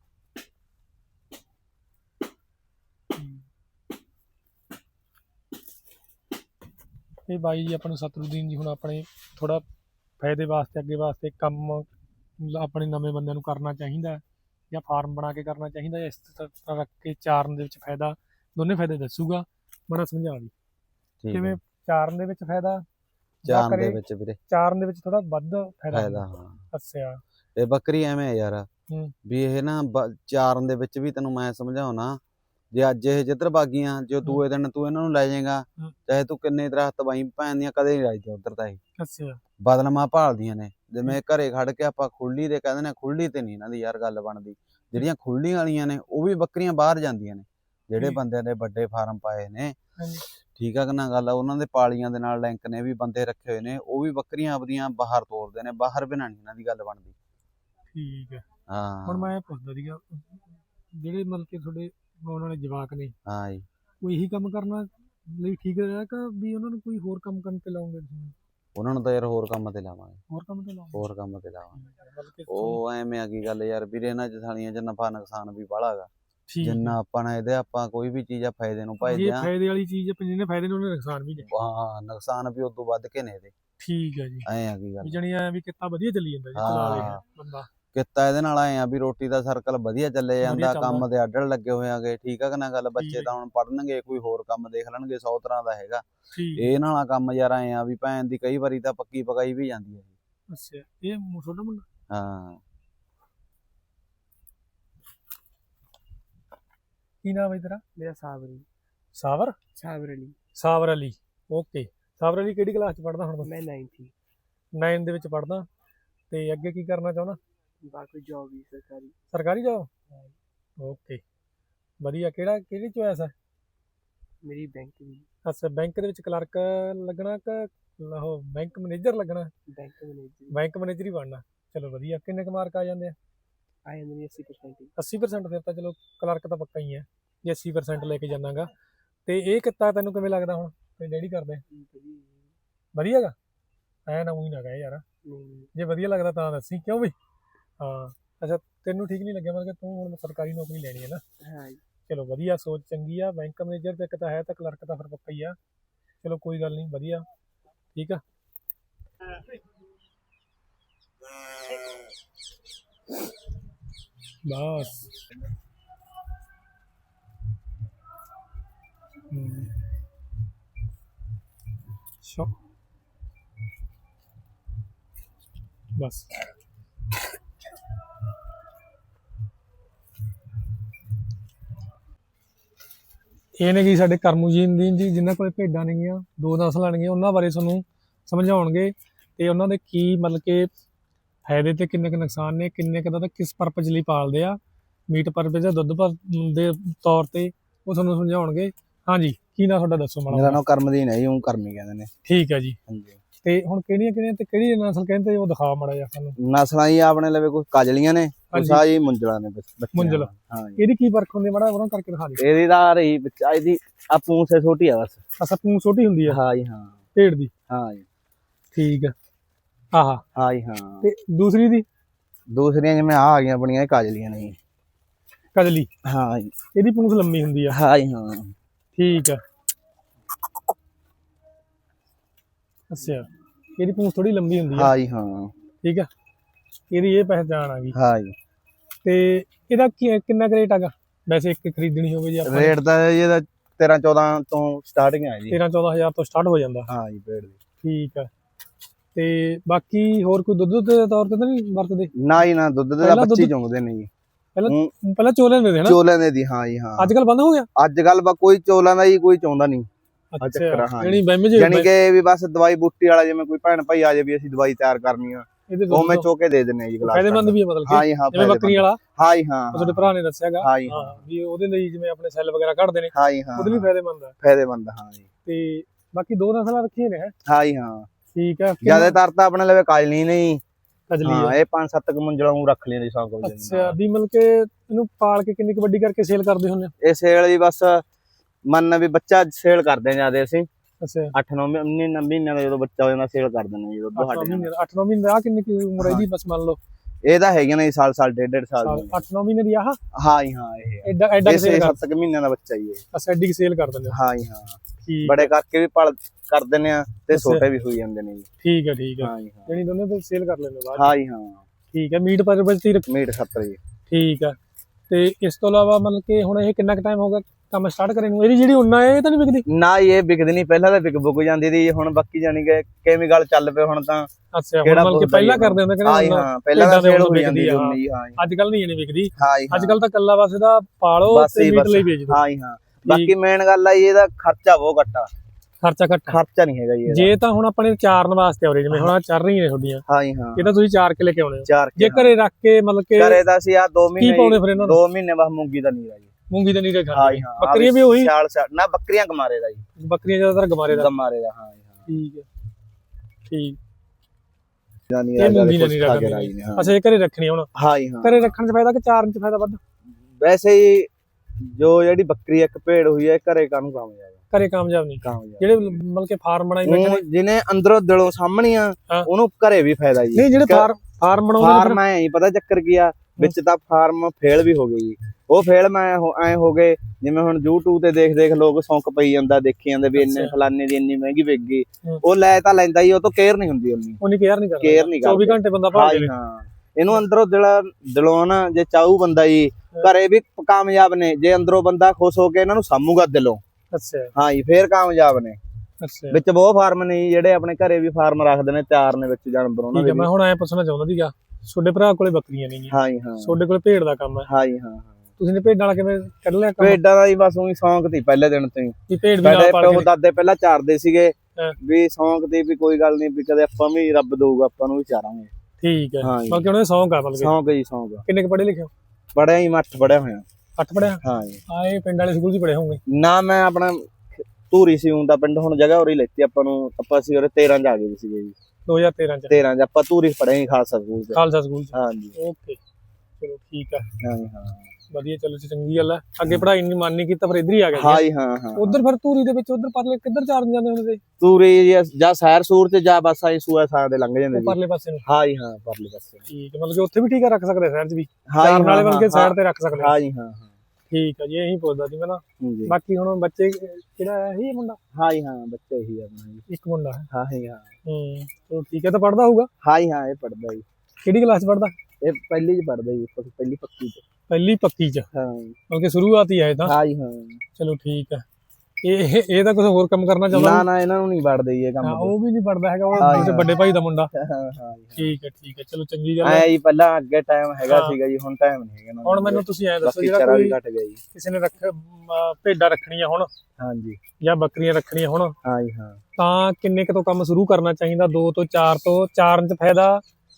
ਇਹ ਬਾਈ ਜੀ ਆਪਾਂ ਨੂੰ ਸਤਰੂਦੀਨ ਜੀ ਹੁਣ ਆਪਣੇ ਥੋੜਾ ਫਾਇਦੇ ਵਾਸਤੇ ਅੱਗੇ ਵਾਸਤੇ ਕੰਮ ਆਪਣੇ ਨਵੇਂ ਬੰਦਿਆਂ ਨੂੰ ਕਰਨਾ ਚਾਹੀਦਾ ਜਾਂ ਫਾਰਮ ਬਣਾ ਕੇ ਕਰਨਾ ਚਾਹੀਦਾ ਜਾਂ ਇਸ ਤਰ੍ਹਾਂ ਰੱਖ ਕੇ ਚਾਰਨ ਦੇ ਵਿੱਚ ਫਾਇਦਾ, ਦੋਨੇ ਫਾਇਦੇ ਦੱਸੂਗਾ, ਬੜਾ ਸਮਝਾ ਵੀ ਕਿਵੇਂ ਚਾਰਨ ਦੇ ਵਿੱਚ ਫਾਇਦਾ, ਚਾਰਨ ਦੇ ਵਿੱਚ ਵੀਰੇ ਚਾਰਨ ਦੇ ਵਿੱਚ ਥੋੜਾ ਵੱਧ ਫਾਇਦਾ। ਫਾਇਦਾ ਹਾਂ। ਅੱਛਾ ਇਹ ਬੱਕਰੀ ਐਵੇਂ ਯਾਰ ਵੀ ਇਹ ਨਾ ਚਾਰਨ ਦੇ ਵਿੱਚ ਵੀ ਤੈਨੂੰ ਮੈਂ ਸਮਝਾਉਣਾ, ਜੇ ਅੱਜ ਇਹ ਜਿੱਧਰ ਬਾਗੀਆਂ ਜੋ ਦੂਏ ਦਿਨ ਤੂੰ ਇਹਨਾਂ ਨੂੰ ਲੈ ਜਾਏਗਾ, ਚਾਹੇ ਤੂੰ ਕਿੰਨੇ ਦਰਖਤ ਬਾਈ ਭੈਣ ਦੀਆਂ ਕਦੇ ਨਹੀਂ ਰਾਜਦੇ ਉਧਰ ਤਾਂ ਇਹ। ਅੱਛਾ ਬਦਲਮਾ ਭਾਲਦੀਆਂ ਨੇ। ਜਿਵੇਂ ਘਰੇ ਖੜ ਕੇ ਆਪਾਂ ਖੁੱਲੀ ਦੇ ਕਹਿੰਦੇ ਨੇ, ਖੁੱਲੀ ਤੇ ਨਹੀਂ ਇਹਨਾਂ ਦੀ ਯਾਰ ਗੱਲ ਬਣਦੀ। ਜਿਹੜੀਆਂ ਖੁੱਲੀ ਵਾਲੀਆਂ ਨੇ ਉਹ ਵੀ ਬੱਕਰੀਆਂ ਬਾਹਰ ਜਾਂਦੀਆਂ ਨੇ, ਜਿਹੜੇ ਬੰਦਿਆਂ ਦੇ ਵੱਡੇ ਫਾਰਮ ਪਾਏ ਨੇ ਠੀਕ ਆ ਕਿ ਨਾ ਗੱਲ, ਉਹਨਾਂ ਦੇ ਪਾਲੀਆਂ ਦੇ ਨਾਲ ਲਿੰਕ ਨੇ, ਵੀ ਬੰਦੇ ਰੱਖੇ ਹੋਏ ਨੇ, ਉਹ ਵੀ ਬੱਕਰੀਆਂ ਆਪਦੀਆਂ ਬਾਹਰ ਤੋਰਦੇ ਨੇ, ਬਾਹਰ ਬਿਨਾਂ ਨਹੀਂ ਇਹਨਾਂ ਦੀ ਗੱਲ ਬਣਦੀ। ਠੀਕ ਹੈ। ਹਾਂ ਹੁਣ ਮੈਂ ਪੁੱਛਦਾ ਸੀਗਾ, ਜਿਹੜੇ ਮਤਲਬ ਕਿ ਤੁਹਾਡੇ ਆਉਣ ਵਾਲੇ ਜਵਾਕ ਨੇ, ਹਾਂ ਜੀ, ਉਹ ਇਹੀ ਕੰਮ ਕਰਨਾ ਲਈ ਠੀਕ ਰਹੇਗਾ ਕਿ ਵੀ ਉਹਨਾਂ ਨੂੰ ਕੋਈ ਹੋਰ ਕੰਮ ਕਰਨ ਤੇ ਲਾਉਂਗੇ ਤੁਸੀਂ? ਉਹਨਾਂ ਨੂੰ ਤਾਂ ਯਾਰ ਹੋਰ ਕੰਮ ਤੇ ਲਾਵਾਂਗੇ, ਹੋਰ ਕੰਮ ਤੇ ਲਾਉਂਗੇ ਹੋਰ ਕੰਮ ਤੇ ਲਾਵਾਂਗੇ। ਮਤਲਬ ਕਿ ਉਹ ਐਵੇਂ ਆ ਕੀ ਗੱਲ ਯਾਰ ਵੀਰੇ, ਇਹਨਾਂ ਚ ਸਾਲੀਆਂ ਚ ਨਫਾ ਨੁਕਸਾਨ ਵੀ ਬਾਹਲਾ ਗਾ। ਠੀਕ ਜਿੰਨਾ ਆਪਾਂ ਨੇ ਇਹਦੇ ਆਪਾਂ ਕੋਈ ਵੀ ਚੀਜ਼ ਆ ਫਾਇਦੇ ਨੂੰ ਜੇ ਭਾਈਦੇ ਆ, ਫਾਇਦੇ ਵਾਲੀ ਚੀਜ਼ ਹੈ, ਜਿੰਨੇ ਫਾਇਦੇ ਨੇ ਉਹਨੇ ਨੁਕਸਾਨ ਵੀ ਨੇ। ਹਾਂ ਨੁਕਸਾਨ ਵੀ ਉਦੋਂ ਵੱਧ ਕੇ ਨੇ ਇਹਦੇ। ਠੀਕ ਹੈ ਜੀ। ਐਂ ਆ ਕੀ ਗੱਲ, ਵੀ ਜਣੀ ਐ ਵੀ ਕਿੱਤਾ ਵਧੀਆ ਚੱਲੀ ਜਾਂਦਾ ਜੀ, ਚਲਾ ਰਿਹਾ ਬੰਦਾ। ਕਿੱਤਾ ਇਹਦੇ ਨਾਲ ਐ ਆ ਵੀ ਰੋਟੀ ਦਾ ਸਰਕਲ ਵਧੀਆ ਚੱਲੇ ਜਾਂਦਾ, ਚੱਲਦਾ। ਕੰਮ ਦੇ ਆਡਣ ਲੱਗੇ ਹੋਏ ਆਗੇ। ਠੀਕ ਆ ਕਿ ਨਾ ਗੱਲ, ਠੀਕ ਬੱਚੇ ਹੈ। ਤਾਂ ਹੁਣ ਪੜਨਗੇ, ਕੋਈ ਹੋਰ ਕੰਮ ਦੇਖ ਲੈਣਗੇ, ਸੌ ਤਰ੍ਹਾਂ ਦਾ ਹੈਗਾ। ਠੀਕ ਇਹ ਨਾਲ ਕੰਮ ਯਾਰ ਐ ਆ ਵੀ ਭੈਣ ਦੀ ਕਈ ਵਾਰੀ ਤਾਂ ਪੱਕੀ ਪਕਾਈ ਵੀ ਜਾਂਦੀ ਹੈ। ਅੱਛਾ, ਇਹ ਮੁ- ਛੋਟਾ ਮੁੰਡਾ ਹਾਂ ਕੀ ਨਾਮ ਹੈ ਤੇਰਾ? ਮੇਰਾ ਸਾਬਰ ਜੀ। ਸਾਵਰ ਸਾਬਰ ਅਲੀ। ਸਾਵਰ ਅਲੀ, ਓਕੇ। ਸਾਵਰ ਅਲੀ ਕਿਹੜੀ ਕਲਾਸ ਚ ਪੜਦਾ ਹੁਣ? ਮੈਂ ਨਾਈਨਥ ਹੀ। ਨਾਈਨ ਦੇ ਵਿੱਚ ਪੜਦਾ। ਤੇ ਅੱਗੇ ਕੀ ਕਰਨਾ ਚਾਹੁੰਦਾ? ਬਾਕੀ ਜੌਬ ਵੀ ਸਰਕਾਰੀ। ਸਰਕਾਰੀ ਜੋਬ? ਓਕੇ, ਵਧੀਆ। ਕਿਹੜਾ ਕਿਹੜੀ ਚੋਇਸ ਹੈ? ਮੇਰੀ ਬੈਂਕ ਦੀ। ਅੱਛਾ, ਬੈਂਕ ਦੇ ਵਿੱਚ ਕਲਰਕ ਲੱਗਣਾ ਕਿ ਉਹ ਬੈਂਕ ਮੈਨੇਜਰ ਲੱਗਣਾ? Bank manager. ਬੈਂਕ ਮੈਨੇਜਰ ਹੀ ਬਣਨਾ। ਚਲੋ ਵਧੀਆ। ਕਿੰਨੇ ਕੁ ਮਾਰਕ ਆ ਜਾਂਦੇ ਆ? ਆ ਜਾਂਦੇ ਨੇ ਅੱਸੀ percent ਹੀ। ਅੱਸੀ percent? ਫਿਰ ਤਾਂ ਚਲੋ ਕਲਰਕ ਤਾਂ ਪੱਕਾ ਹੀ ਹੈ ਜੇ ਅੱਸੀ percent ਲੈ ਕੇ ਜਾਣਾਗਾ। ਤੇ ਇਹ ਕਿੱਤਾ ਤੈਨੂੰ ਕਿਵੇਂ ਲੱਗਦਾ ਹੁਣ ਤੇ ਡੈਡੀ ਕਰਦੇ? ਵਧੀਆ। ਵਧੀਆ ਗਾ? ਐ ਨਾ ਉਹੀ ਨਾ ਕਹੇ ਯਾਰ, ਨਹੀਂ ਜੇ ਵਧੀਆ ਲੱਗਦਾ ਤਾਂ ਦੱਸੀ, ਕਿਉਂ ਬਈ? ਹਾਂ। ਅੱਛਾ, ਤੈਨੂੰ ਠੀਕ ਨਹੀਂ ਲੱਗਿਆ ਮਤਲਬ ਕਿ ਤੂੰ ਹੁਣ ਸਰਕਾਰੀ ਨੌਕਰੀ ਲੈਣੀ ਹੈ ਨਾ? ਹਾਂ ਜੀ। ਚਲੋ ਵਧੀਆ, ਸੋਚ ਚੰਗੀ ਆ। ਬੈਂਕ ਮੈਨੇਜਰ ਤੇ ਇੱਕ ਤਾਂ ਹੈ, ਤਾਂ ਕਲਰਕ ਤਾਂ ਫਿਰ ਪੱਕਾ ਹੀ ਆ। ਚਲੋ ਕੋਈ ਗੱਲ ਨਹੀਂ, ਵਧੀਆ। ਠੀਕ ਆ। ਬਸ ਹਮ। ਸ਼ੋ ਬਸ ਇਹ ਨੇ ਜੀ ਸਾਡੇ ਕਰਮੂਜੀਨ ਦੀ ਜੀ, ਜਿਨ੍ਹਾਂ ਕੋਲ ਭੇਡਾਂ ਨੇਗੀਆਂ, ਦੋ ਨਸਲਾਂ ਨੇਗੀਆਂ। ਉਹਨਾਂ ਬਾਰੇ ਤੁਹਾਨੂੰ ਸਮਝਾਉਣਗੇ ਤੇ ਉਹਨਾਂ ਦੇ ਕੀ ਮਤਲਬ ਕਿ ਫਾਇਦੇ ਤੇ ਕਿੰਨੇ ਕੁ ਨੁਕਸਾਨ ਨੇ, ਕਿੰਨੇ ਕੁ ਦਾ ਤਾਂ ਕਿਸ ਪਰਪਸ ਲਈ ਪਾਲਦੇ ਆ, ਮੀਟ ਪਰਪਸ ਜਾਂ ਦੁੱਧ ਪਰ ਦੇ ਤੌਰ ਤੇ, ਉਹ ਤੁਹਾਨੂੰ ਸਮਝਾਉਣਗੇ। ਹਾਂਜੀ, ਕੀ ਨਾਂ ਤੁਹਾਡਾ ਦੱਸੋ ਮਾੜਾ? ਮੇਰਾ ਨਾਮ ਕਰਮਦੀਨ ਹੈ ਜੀ, ਉਹ ਕਰਮੀ ਕਹਿੰਦੇ ਨੇ। ਠੀਕ ਹੈ ਜੀ। ਹਾਂਜੀ। ਤੇ ਹੁਣ ਕਿਹੜੀਆਂ ਕਿਹੜੀਆਂ ਤੇ ਕਿਹੜੀ ਨਸਲ ਕਹਿੰਦੇ ਉਹ ਦਿਖਾ ਮਾੜਾ ਜਿਹਾ ਸਾਨੂੰ। ਨਸਲਾਂ ਜੀ ਆਪਣੇ ਲਵੇ ਕੁਝ ਕਾਜਲੀਆਂ ਨੇ, ਕੁਛ ਆ ਜੀ ਮੁੰਜਲਾਂ ਨੇ ਬੱਚੀਆਂ। ਮੁੰਜਲ। ਹਾਂ ਜੀ। ਇਹਦੀ ਕੀ ਫਰਕ ਹੁੰਦੀ ਮਾੜਾ ਉਹਨਾਂ ਕਰਕੇ ਦਿਖਾ ਦੇ। ਇਹਦੀ ਤਾਂ ਰਹੀ ਬੱਚਾ, ਇਹਦੀ ਆ ਪੂੰਛ ਹੈ ਛੋਟੀ ਆ ਬਸ। ਅੱਛਾ, ਪੂੰਛ ਛੋਟੀ ਹੁੰਦੀ ਆ ਹਾਂ ਜੀ ਹਾਂ। ਭੇਡ ਦੀ? ਹਾਂ ਜੀ। ਠੀਕ ਆ। ਆਹਾ। ਹਾਂ ਜੀ ਹਾਂ। ਤੇ ਦੂਸਰੀ ਦੀ? ਦੂਸਰੀਆਂ ਜਿਵੇਂ ਆ ਆ ਗਈਆਂ ਆਪਣੀਆਂ, ਇਹ ਕਾਜਲੀਆਂ ਨੇ ਜੀ। ਕਜਲੀ? ਹਾਂ ਜੀ। ਇਹਦੀ ਪੂੰਛ ਲੰਮੀ ਹੁੰਦੀ ਆ? ਹਾਂ ਜੀ ਹਾਂ। ਠੀਕ ਆ। ਅੱਛਾ, ਇਹਦੀ ਪੂੰਛ ਥੋੜੀ ਲੰਬੀ ਹੁੰਦੀ ਆ? ਹਾਂ ਜੀ ਹਾਂ। ਠੀਕ ਆ। ਇਹਦੀ ਇਹ ਪਹਿਚਾਣ ਆ ਗਈ। ਹਾਂ ਜੀ। ਤੇ ਇਹਦਾ ਕੀ ਕਿੰਨਾ ਕੁ ਰੇਟ ਹੈਗਾ ਵੈਸੇ ਇੱਕ ਖਰੀਦਣੀ ਹੋਵੇ ਜੇ ਆਪਾਂ? ਰੇਟ ਦਾ ਜੀ ਇਹਦਾ ਤੇਰਾਂ ਚੌਦਾਂ ਤੋਂ ਸਟਾਰਟਿੰਗ ਹੈ ਜੀ। ਤੇਰਾਂ ਚੌਦਾਂ ਹਜ਼ਾਰ ਤੋਂ ਸਟਾਰਟ ਹੋ ਜਾਂਦਾ? ਹਾਂ ਜੀ ਪੇੜ ਦੀ। ਠੀਕ ਆ। ਤੇ ਬਾਕੀ ਹੋਰ ਕੋਈ ਦੁੱਧ ਦੇ ਤੌਰ ਤੇ ਤਾਂ ਨਹੀਂ ਵਰਤਦੇ? ਨਾ ਜੀ ਨਾ, ਦੁੱਧ ਦੇ ਤਾਂ ਪਹਿਲਾਂ ਬੱਚੇ ਦੁੱਧ- ਚੁੰਗਦੇ ਨੇ ਜੀ। ਪਹਿਲਾਂ ਹੂੰ। ਪਹਿਲਾਂ ਚੋਲੇ ਹੁੰਦੇ ਸੀ ਨਾ? ਚੋਲਿਆਂ ਦੇ ਦੀ। ਹਾਂ ਜੀ ਹਾਂ। ਅੱਜ ਕੱਲ ਬੰਦ ਹੋ ਗਿਆ? ਅੱਜ ਕੱਲ ਬਾ ਕੋਈ ਚੋਲਾਂ ਦਾ ਜੀ ਕੋਈ ਚਾਹੁੰਦਾ ਨਹੀਂ। ਚੱਕਰ ਆ, ਅੱਛਾ, ਹਾਂ ਜਿਹੜੀ ਬੈਮ ਜੇ ਜਾਨੀ ਕਿ ਵੀ ਬਸ ਦਵਾਈ ਬੂਟੀ ਵਾਲਾ, ਜਿਵੇਂ ਕੋਈ ਭੈਣ ਭਾਈ ਆ ਜਾਏ ਵੀ ਅਸੀਂ ਦਵਾਈ ਤਿਆਰ ਕਰਨੀ ਆ, ਇਹਦੇ ਉਹ ਮੈਂ ਚੋਕੇ ਦੇ ਦਿੰਨੇ ਜੀ ਗਲਾਸ। ਫਾਇਦੇਮੰਦ ਵੀ ਹੈ ਮਤਲਬ ਕਿ? ਹਾਂ ਜੀ ਹਾਂ। ਜਿਵੇਂ ਬੱਕਰੀ ਵਾਲਾ? ਹਾਂ ਜੀ ਹਾਂ। ਤੁਹਾਡੇ ਭਰਾ ਨੇ ਦੱਸਿਆਗਾ। ਹਾਂ ਜੀ ਹਾਂ, ਵੀ ਉਹਦੇ ਲਈ ਜਿਵੇਂ ਆਪਣੇ ਸੈੱਲ ਵਗੈਰਾ ਕੱਢਦੇ ਨੇ, ਹਾਂ ਜੀ ਹਾਂ। ਉਹਦੇ ਲਈ ਫਾਇਦੇਮੰਦ ਹੈ। ਫਾਇਦੇਮੰਦ ਹਾਂ ਜੀ। ਤੇ ਬਾਕੀ ਦੋ ਨਸਲਾਂ ਰੱਖੀਆਂ ਨੇ? ਹੈ। ਹਾਂ ਜੀ ਹਾਂ। ਠੀਕ ਆ। ਜ਼ਿਆਦਾਤਰ ਤਾਂ ਆਪਣੇ ਲਵੇ ਕਾਜਲੀ ਨਹੀਂ। ਕਜਲੀ ਹਾਂ, ਆ? ਇਹ ਪੰਜ ਸੱਤ ਕੁ ਮੁੰਜਲਾਂ ਨੂੰ ਰੱਖ ਲੈਂਦੇ ਸੌ ਕੁ। ਅੱਛਾ, ਵੀ ਮਤਲਬ ਕਿ ਇਹਨੂੰ ਪਾਲ ਕੇ ਕਿੰਨੀ ਕੁ ਵੱਡੀ ਕਰਕੇ ਸੇਲ ਕਰਦੇ ਹੁੰਦੇ? ਇਹ ਸੇਲ ਜੀ ਬਸ ਮੰਨ ਵੀ ਬੱਚਾ ਸੇਲ ਕਰਦੇ ਆ ਜਿਆਦਾ ਅਸੀਂ। ਅੱਛਾ, ਅੱਠ ਨੌ ਮਹੀਨੇ ਮਹੀਨਿਆਂ ਦਾ ਜਦੋਂ ਬੱਚਾ ਹੋ ਜਾਂਦਾ ਸੇਲ ਕਰ ਦਿੰਦੇ ਜੀ ਦੁੱਧ ਅੱਠ ਨੌ ਸਾਡੇ ਮਹੀਨੇ ਅੱਠ ਨੌ ਮਹੀਨੇ ਆ ਕਿੰਨੀ ਕੁ ਉਮਰ ਹੈ ਇਹਦੀ ਬਸ ਮੰਨ ਲਓ? ਇਹ ਤਾਂ ਹੈਗੇ ਨੇ ਸਾਲ ਸਾਲ ਡੇਢ ਡੇਢ ਸਾਲ ਦੇ। ਅੱਠ ਨੌ ਮਹੀਨੇ ਦੀ ਆਹ? ਹਾਂ ਜੀ ਹਾਂ। ਇਹ ਐਡਾ ਐਡਾ ਇਹ ਸੇਲ ਛੇ ਕਰ? ਸੱਤ ਕੁ ਮਹੀਨਿਆਂ ਦਾ ਬੱਚਾ ਹੀ ਇਹ। ਅੱਛਾ, ਐਡੀ ਸੇਲ ਕਰ ਦਿੰਦੇ? ਹਾਂ ਜੀ ਹਾਂ। ਠੀਕ। ਬੜੇ ਕਰਕੇ ਵੀ ਪਾਲ ਕਰ ਦਿੰਦੇ ਆ ਤੇ ਛੋਟੇ ਵੀ ਹੋਈ ਜਾਂਦੇ ਨੇ ਜੀ। ਠੀਕ ਹੈ। ਠੀਕ ਹੈ। ਹਾਂ ਜੀ ਹਾਂ। ਯਾਨੀ ਦੋਨੇ ਤੇ ਸੇਲ ਕਰ ਲੈਂਦੇ ਬਾਅਦ? ਹਾਂ ਜੀ ਹਾਂ। ਠੀਕ ਹੈ। ਮੀਟ ਪਰ ਬਚਤੀ ਰੱਖ? ਮੀਟ ਸੱਤਰ ਜੀ। ਠੀਕ ਹੈ। ਤੇ ਇਸ ਤੋਂ ਇਲਾਵਾ ਮਤਲਬ ਕਿ ਹੁਣ ਇਹ ਕਿੰਨਾ ਕੁ ਟਾਈਮ ਹੋ ਗਿਆ ਕੰਮ ਸਟਾਰਟ ਕਰੇ ਨੂੰ? ਇਹਦੀ ਜਿਹੜੀ ਉਨਾ ਹੈ ਇਹ ਤਾਂ ਨਹੀਂ ਵਿਕਦੀ? ਨਾ ਇਹ ਵਿਕਦੀ ਨਹੀਂ, ਪਹਿਲਾਂ ਤਾਂ ਵਿਕ ਬੁੱਕ ਜਾਂਦੀ ਸੀ, ਹੁਣ ਬਾਕੀ ਜਾਣੀ ਕਿ ਕਿਵੇਂ ਗੱਲ ਚੱਲ ਪਏ ਹੁਣ ਤਾਂ। ਅੱਛਾ, ਹੁਣ ਮਤਲਬ ਕਿ ਪਹਿਲਾਂ ਕਰਦੇ ਹੁੰਦੇ ਹਾਂ ਜੀ ਕਹਿੰਦੇ ਹਾਂ, ਪਹਿਲਾਂ ਤਾਂ ਸੇਲ ਹੋ ਜਾਂਦੀ ਆ। ਸੀ। ਹਾਂ ਜੀ। ਅੱਜ ਕੱਲ ਨਹੀਂ ਇਹਨੇ ਵਿਕਦੀ? ਹਾਂ ਜੀ ਅੱਜ ਕੱਲ ਤਾਂ ਕੱਲਾ ਬਸ ਇਹਦਾ ਪਾਲੋ ਤੇ ਮੀਟ ਲਈ ਵੇਚ ਦੋ। ਹਾਂ ਜੀ ਹਾਂ। ਬਾਕੀ ਮੇਨ ਗੱਲ ਆ ਜੀ, ਇਹਦਾ ਖਰਚਾ ਬਹੁਤ ਘੱਟ ਆ। ਖਰਚਾ ਘੱਟ? ਖਰਚਾ ਨਹੀਂ ਹੈਗਾ ਜੀ। ਜੇ ਤਾਂ ਹੁਣ ਆਪਣੇ ਚਾਰਨ ਵਾਸਤੇ ਆਉਰੇ, ਜਿਵੇਂ ਹੁਣ ਆਹ ਚੱਲ ਰਹੀਆਂ ਨੇ ਤੁਹਾਡੀਆਂ, ਹਾਂ ਜੀ ਹਾਂ। ਇਹ ਤਾਂ ਤੁਸੀਂ ਚਾਰ ਕੇ ਲੈ ਕੇ ਆਉਣੇ ਹੋ? ਚਾਰ ਜੇ ਘਰੇ ਰੱਖ ਕੇ ਮਤਲਬ ਕਿ ਘਰੇ ਦਾ ਸੀ ਆ ਦੋ ਕੀ ਮਹੀਨੇ ਪਾਉਣੇ ਫਿਰ ਇਹਨਾਂ ਨੂੰ? ਦੋ ਮਹੀਨੇ ਬਾਅਦ ਮੂੰਗੀ ਦਾ ਨੀਰਾ ਜੀ। ਮੂੰਗੀ ਦੇ ਨੀਰੇ ਹਾਂ ਖਾਂਦੇ ਜੀ ਨੇ। ਹਾਂ ਬੱਕਰੀਆਂ ਵੀ ਉਹੀ ਸਿਆਲ ਸਿਆਲ ਨਾ ਬੱਕਰੀਆਂ ਗਮਾਰੇ ਦਾ ਜੀ ਬੱਕਰੀਆਂ ਜ਼ਿਆਦਾਤਰ ਗਮਾਰੇ ਦਾ ਗਮਾਰੇ ਦਾ ਹਾਂ ਜੀ ਹਾਂ ਠੀਕ ਹੈ ਠੀਕ ਜਾਨੀ ਇਹ ਮੂੰਗੀ ਦਾ ਨੀਰਾ ਖਾ ਖਾਂਦੇ ਕੇ ਨੇ। ਰਾਜੀ ਨੇ ਹਾਂ ਅੱਛਾ ਇਹ ਘਰੇ ਰੱਖਣੀ ਹੁਣ ਹਾਂ ਜੀ ਹਾਂ ਘਰੇ ਰੱਖਣ 'ਚ ਫਾਇਦਾ ਕਿ ਚਾਰਨ 'ਚ ਫਾਇਦਾ ਵੱਧ ਵੈਸੇ ਹੀ ਜੋ ਜਿਹੜੀ ਬੱਕਰੀ ਇੱਕ ਭੇਡ ਹੋਈ ਹੈ ਘਰੇ ਕਾਹਨੂੰ ਕਾਮਯਾਬ ਹੈ ਘਰੇ ਕਾਮਯਾਬ ਨਹੀਂ ਕਾਮਯਾਬ ਜਿਹੜੇ ਮਤਲਬ ਕਿ ਫਾਰਮ ਬਣਾਈ ਬੈਠੇ ਉਹ ਨੇ ਜਿਹਨੇ ਅੰਦਰੋਂ ਦਿਲੋਂ ਸਾਹਮਣੀ ਆ ਹਾਂ। ਉਹਨੂੰ ਘਰੇ ਵੀ ਫਾਇਦਾ ਜੀ ਨਹੀਂ ਜਿਹੜੇ ਫਾਰਮ ਫਾਰਮ ਬਣਾਉਂਦੇ ਨੇ ਫਾਰਮ ਐ ਪਤਾ ਚੱਕਰ ਕੀ ਆ ਵਿੱਚ ਤਾਂ ਫਾਰਮ ਫੇਲ ਵੀ ਹੋ ਗਏ ਜੀ ਉਹ ਫੇਲ ਮੈਂ ਐ ਹੋ ਗਏ ਜਿਵੇਂ ਹੁਣ YouTube ਤੇ ਦੇਖ ਦੇਖ ਲੋਕ ਸੌਂਕ ਪਈ ਜਾਂਦਾ ਦੇਖੀ ਜਾਂਦੇ ਵੀ ਇੰਨੇ ਅੱਛਾ। ਫਲਾਨੇ ਦੀ ਇੰਨੀ ਮਹਿੰਗੀ ਵਿਕ ਗਈ ਹੂੰ। ਉਹ ਲੈ ਤਾਂ ਲੈਂਦਾ ਹੀ ਉਹ ਤੋਂ ਕੇਅਰ ਨਹੀਂ ਹੁੰਦੀ ਉਹਨੀ ਉਹਨੀ ਕੇਅਰ ਨਹੀਂ ਕਰਦਾ ਕੇਅਰ ਨਹੀਂ ਚੌਵੀ ਕਰਦਾ ਘੰਟੇ ਬੰਦਾ ਹਾਂ ਭਾਲਦੇ ਜੀ ਨੇ ਹਾਂ ਇਹਨੂੰ ਅੰਦਰੋਂ ਦਿਲ ਦਿਲੋਂ ਨਾ ਜੇ ਚਾਹੂ ਬੰਦਾ ਜੀ ਘਰੇ ਵੀ ਕਾਮਯਾਬ ਨੇ ਜੇ ਅੰਦਰੋਂ ਬੰਦਾ ਖੁਸ਼ ਹੋ ਕੇ ਇਹਨਾਂ ਨੂੰ ਸਾਮੂਗਾ ਦਿਲੋਂ ਅੱਛਾ ਹਾਂ ਜੀ ਫੇਰ ਕਾਮਯਾਬ ਨੇ ਅੱਛਾ ਵਿੱਚ ਬਹੁਤ ਫਾਰਮ ਨੇ ਜੀ ਜਿਹੜੇ ਆਪਣੇ ਘਰੇ ਵੀ ਫਾਰਮ ਰੱਖਦੇ ਨੇ ਤਿਆਰ ਨੇ ਵਿੱਚ ਜਾਨਵਰ ਉਹਨਾਂ ਠੀਕ ਦੇ ਹੈ ਮੈਂ ਹੁਣ ਐ ਪੁੱਛਣਾ ਚਾਹੁੰਦਾ ਸੀਗਾ ਤੁਹਾਡੇ ਭਰਾ ਕੋਲੇ ਬੱਕਰੀਆਂ ਨਹੀਂ ਹਾਂ ਜੀ ਹਾਂ ਤੁਹਾਡੇ ਕੋਲੇ ਭੇਡ ਦਾ ਕੰਮ ਹੈ ਹਾਂ ਜੀ ਹਾਂ ਤੁਸੀਂ ਨੇ ਭੇਡਾਂ ਵਾਲਾ ਕਿਵੇਂ ਕੱਢ ਲਿਆ ਕੰਮ ਭੇਡਾਂ ਦਾ ਜੀ ਬਸ ਉਹੀ ਸ਼ੌਂਕ ਸੀ ਪਹਿਲੇ ਦਿਨ ਤੋਂ ਹੀ ਵੀ ਭੇਡ ਵੀ ਨਾਲ ਸਾਡੇ ਪਾਲ ਪਿਓ ਕੇ ਦਾਦੇ ਪਹਿਲਾਂ ਚਾਰਦੇ ਸੀਗੇ ਹਾਂ। ਵੀ ਸ਼ੌਂਕ ਦੀ ਵੀ ਕੋਈ ਗੱਲ ਨਹੀਂ ਵੀ ਕਦੇ ਆਪਾਂ ਵੀ ਰੱਬ ਦਊਗਾ ਆਪਾਂ ਨੂੰ ਵੀ ਚਾਰਾਂਗੇ ਠੀਕ ਹੈ ਹਾਂ ਜੀ ਬਾਕੀ ਉਹਨਾਂ ਦੇ ਸੌਂਕ ਆ ਮਤਲਬ ਕਿ ਸ਼ੌਂਕ ਜੀ ਸ਼ੌਂਕ ਕਿੰਨੇ ਕੁ ਪੜ੍ਹੇ ਲਿਖੇ ਹੋ ਪੜਿਆ ਹੀ ਮੱਠ ਪੜਿਆ ਹੋਇਆ ਅੱਠ ਪੜਿਆ ਹਾਂ ਜੀ ਆਏ ਪਿੰਡ ਵਾਲੇ ਸਕੂਲ 'ਚ ਪੜ੍ਹੇ ਹੋਣਗੇ ਨਾ ਮੈਂ ਆਪਣਾ ਧੂਰੀ ਸੀ ਊਂ ਦਾ ਪਿੰਡ ਹੁਣ ਜਗ੍ਹਾ ਉਰੀ ਲੈਤੀ ਆਪਾਂ ਨੂੰ ਆਪਾਂ ਸੀ ਉਰੇ ਤੇਰਾਂ ਚ ਆ ਗਏ ਸੀਗੇ ਜੀ ਦੋ ਹਜ਼ਾਰ ਤੇਰਾਂ 'ਚ ਤੇਰਾਂ ਚ ਆਪਾਂ ਧੂਰੀ ਪੜ੍ਹੇ ਸੀ ਖਾਲਸਾ ਸਕੂਲ ਚ ਖਾਲਸਾ ਸਕੂਲ 'ਚ ਹਾਂ ਜੀ ਓਕੇ ਚਲੋ ਠੀਕ ਆ ਹਾਂ ਜੀ ਹਾਂ ਵਧੀਆ ਚਲੋ ਚੰਗੀ ਗੱਲ ਹੈ ਅੱਗੇ ਪੜ੍ਹਾਈ ਨਹੀਂ ਮਨ ਨਹੀਂ ਕੀਤਾ ਪਰ ਇੱਧਰ ਹੀ ਆ ਹਾਂ ਗਿਆ ਜੀ ਹਾਂ ਹਾਂ ਉਧਰ ਫਿਰ ਧੂਰੀ ਦੇ ਵਿੱਚ ਉਧਰ ਪਰਲੇ ਕਿੱਧਰ ਚਾਰਨ ਜਾਂਦੇ ਹੁੰਦੇ ਤੇ ਧੂਰੀ ਜੀ ਜਾਂ ਸੈਰ ਸੂਰ ਤੇ ਜਾਂ ਬਸ ਆਈ ਸੂਆ ਸਾਂ ਦੇ ਲੰਘ ਜਾਂਦੇ ਉਹ ਜੀ ਪਰਲੇ ਪਾਸੇ ਨੂੰ ਹਾਂ ਜੀ ਹਾਂ ਪਰਲੇ ਪਾਸੇ ਠੀਕ ਹੈ ਮਤਲਬ ਕਿ ਉੱਥੇ ਵੀ ਠੀਕ ਆ ਰੱਖ ਸਕਦੇ ਸ਼ਹਿਰ 'ਚ ਵੀ ਹਾਂ ਚਾਰਨ ਜੀ ਵਾਲੇ ਹਾਂ ਬਣ ਕੇ ਸਾਈਡ ਤੇ ਰੱਖ ਸਕਦੇ ਹਾਂ ਜੀ ਹਾਂ ਹਾਂ ਠੀਕ ਆ ਜੀ ਇਹੀ ਪੁੱਛਦਾ ਸੀ ਮੈਂ ਨਾ ਜੀ ਬਾਕੀ ਹੁਣ ਬੱਚੇ ਕਿਹੜਾ ਹੈ ਇਹ ਮੁੰਡਾ ਹਾਂ ਜੀ ਹਾਂ ਬੱਚਾ ਹੀ ਆਪਣਾ ਜੀ ਇੱਕ ਮੁੰਡਾ ਹੈ ਹਾਂ ਜੀ ਹਾਂ ਹੂੰ ਚਲੋ ਠੀਕ ਹੈ ਤਾਂ ਪੜਦਾ ਹੋਊਗਾ ਹਾਂ ਜੀ ਹਾਂ ਇਹ ਪੜਦਾ ਜੀ ਕਿਹੜੀ ਕਲਾਸ 'ਚ ਪੜਦਾ ਇਹ ਪਹਿਲੀ ਚ ਪੜਦਾ ਜੀ ਪ- ਪਹਿਲੀ ਪੱਕੀ ਚ ਪਹਿਲੀ ਪੱਕੀ 'ਚ ਹਾਂ ਮਤਲਬ ਕਿ ਸ਼ੁਰੂਆਤ ਹੀ ਹੈ ਇਹ ਤਾਂ ਹਾਂ ਜੀ ਹਾਂ ਚਲੋ ਠੀਕ ਹੈ ਇਹ ਇਹ- ਇਹ ਤਾਂ ਕੁਝ ਹੋਰ ਕੰਮ ਕਰਨਾ ਚਾਹੁੰਦਾ ਨਾ ਨਾ ਇਹਨਾਂ ਨੂੰ ਨਹੀਂ ਵੜਦੇ ਜੀ ਇਹ ਕੰਮ ਹਾਂ ਉਹ ਵੀ ਨਹੀਂ ਪੜਦਾ ਹੈਗਾ ਉਹ ਹਾਂ, ਦੂਜੇ ਹਾਂ। ਵੱਡੇ ਭਾਈ ਦਾ ਮੁੰਡਾ ਹਾਂ ਹਾਂ ਠੀਕ ਹੈ ਠੀਕ ਹੈ ਚਲੋ ਚੰਗੀ ਗੱਲ ਹੈ ਐ ਜੀ ਪਹਿਲਾਂ ਅੱਗੇ ਟਾਈਮ ਹੈਗਾ ਹਾਂ। ਸੀਗਾ ਜੀ ਹੁਣ ਟਾਈਮ ਨਹੀਂ ਹੈਗਾ ਨਾ ਹੁਣ ਮੈਨੂੰ ਤੁਸੀਂ ਐਂ ਦੱਸੋ ਬਾਕੀ ਜਿਹੜਾ ਚਾਰਾ ਕੋਈ ਵੀ ਘਟ ਗਿਆ ਜੀ ਕਿਸੇ ਨੇ ਰੱਖ ਅਮ, ਭੇਡਾਂ ਰੱਖਣੀਆਂ ਹੁਣ ਹਾਂ ਜੀ ਜਾਂ ਬੱਕਰੀਆਂ ਰੱਖਣੀਆਂ ਹੁਣ ਹਾਂ ਜੀ ਹਾਂ ਤਾਂ ਕਿੰਨੇ ਕੁ ਤੋਂ ਕੰਮ ਸ਼ੁਰੂ ਕਰਨਾ ਚਾਹੀਦਾ ਦੋ ਤੋਂ ਚਾਰ ਤੋਂ ਚਾਰਨ 'ਚ ਫਾਇਦਾ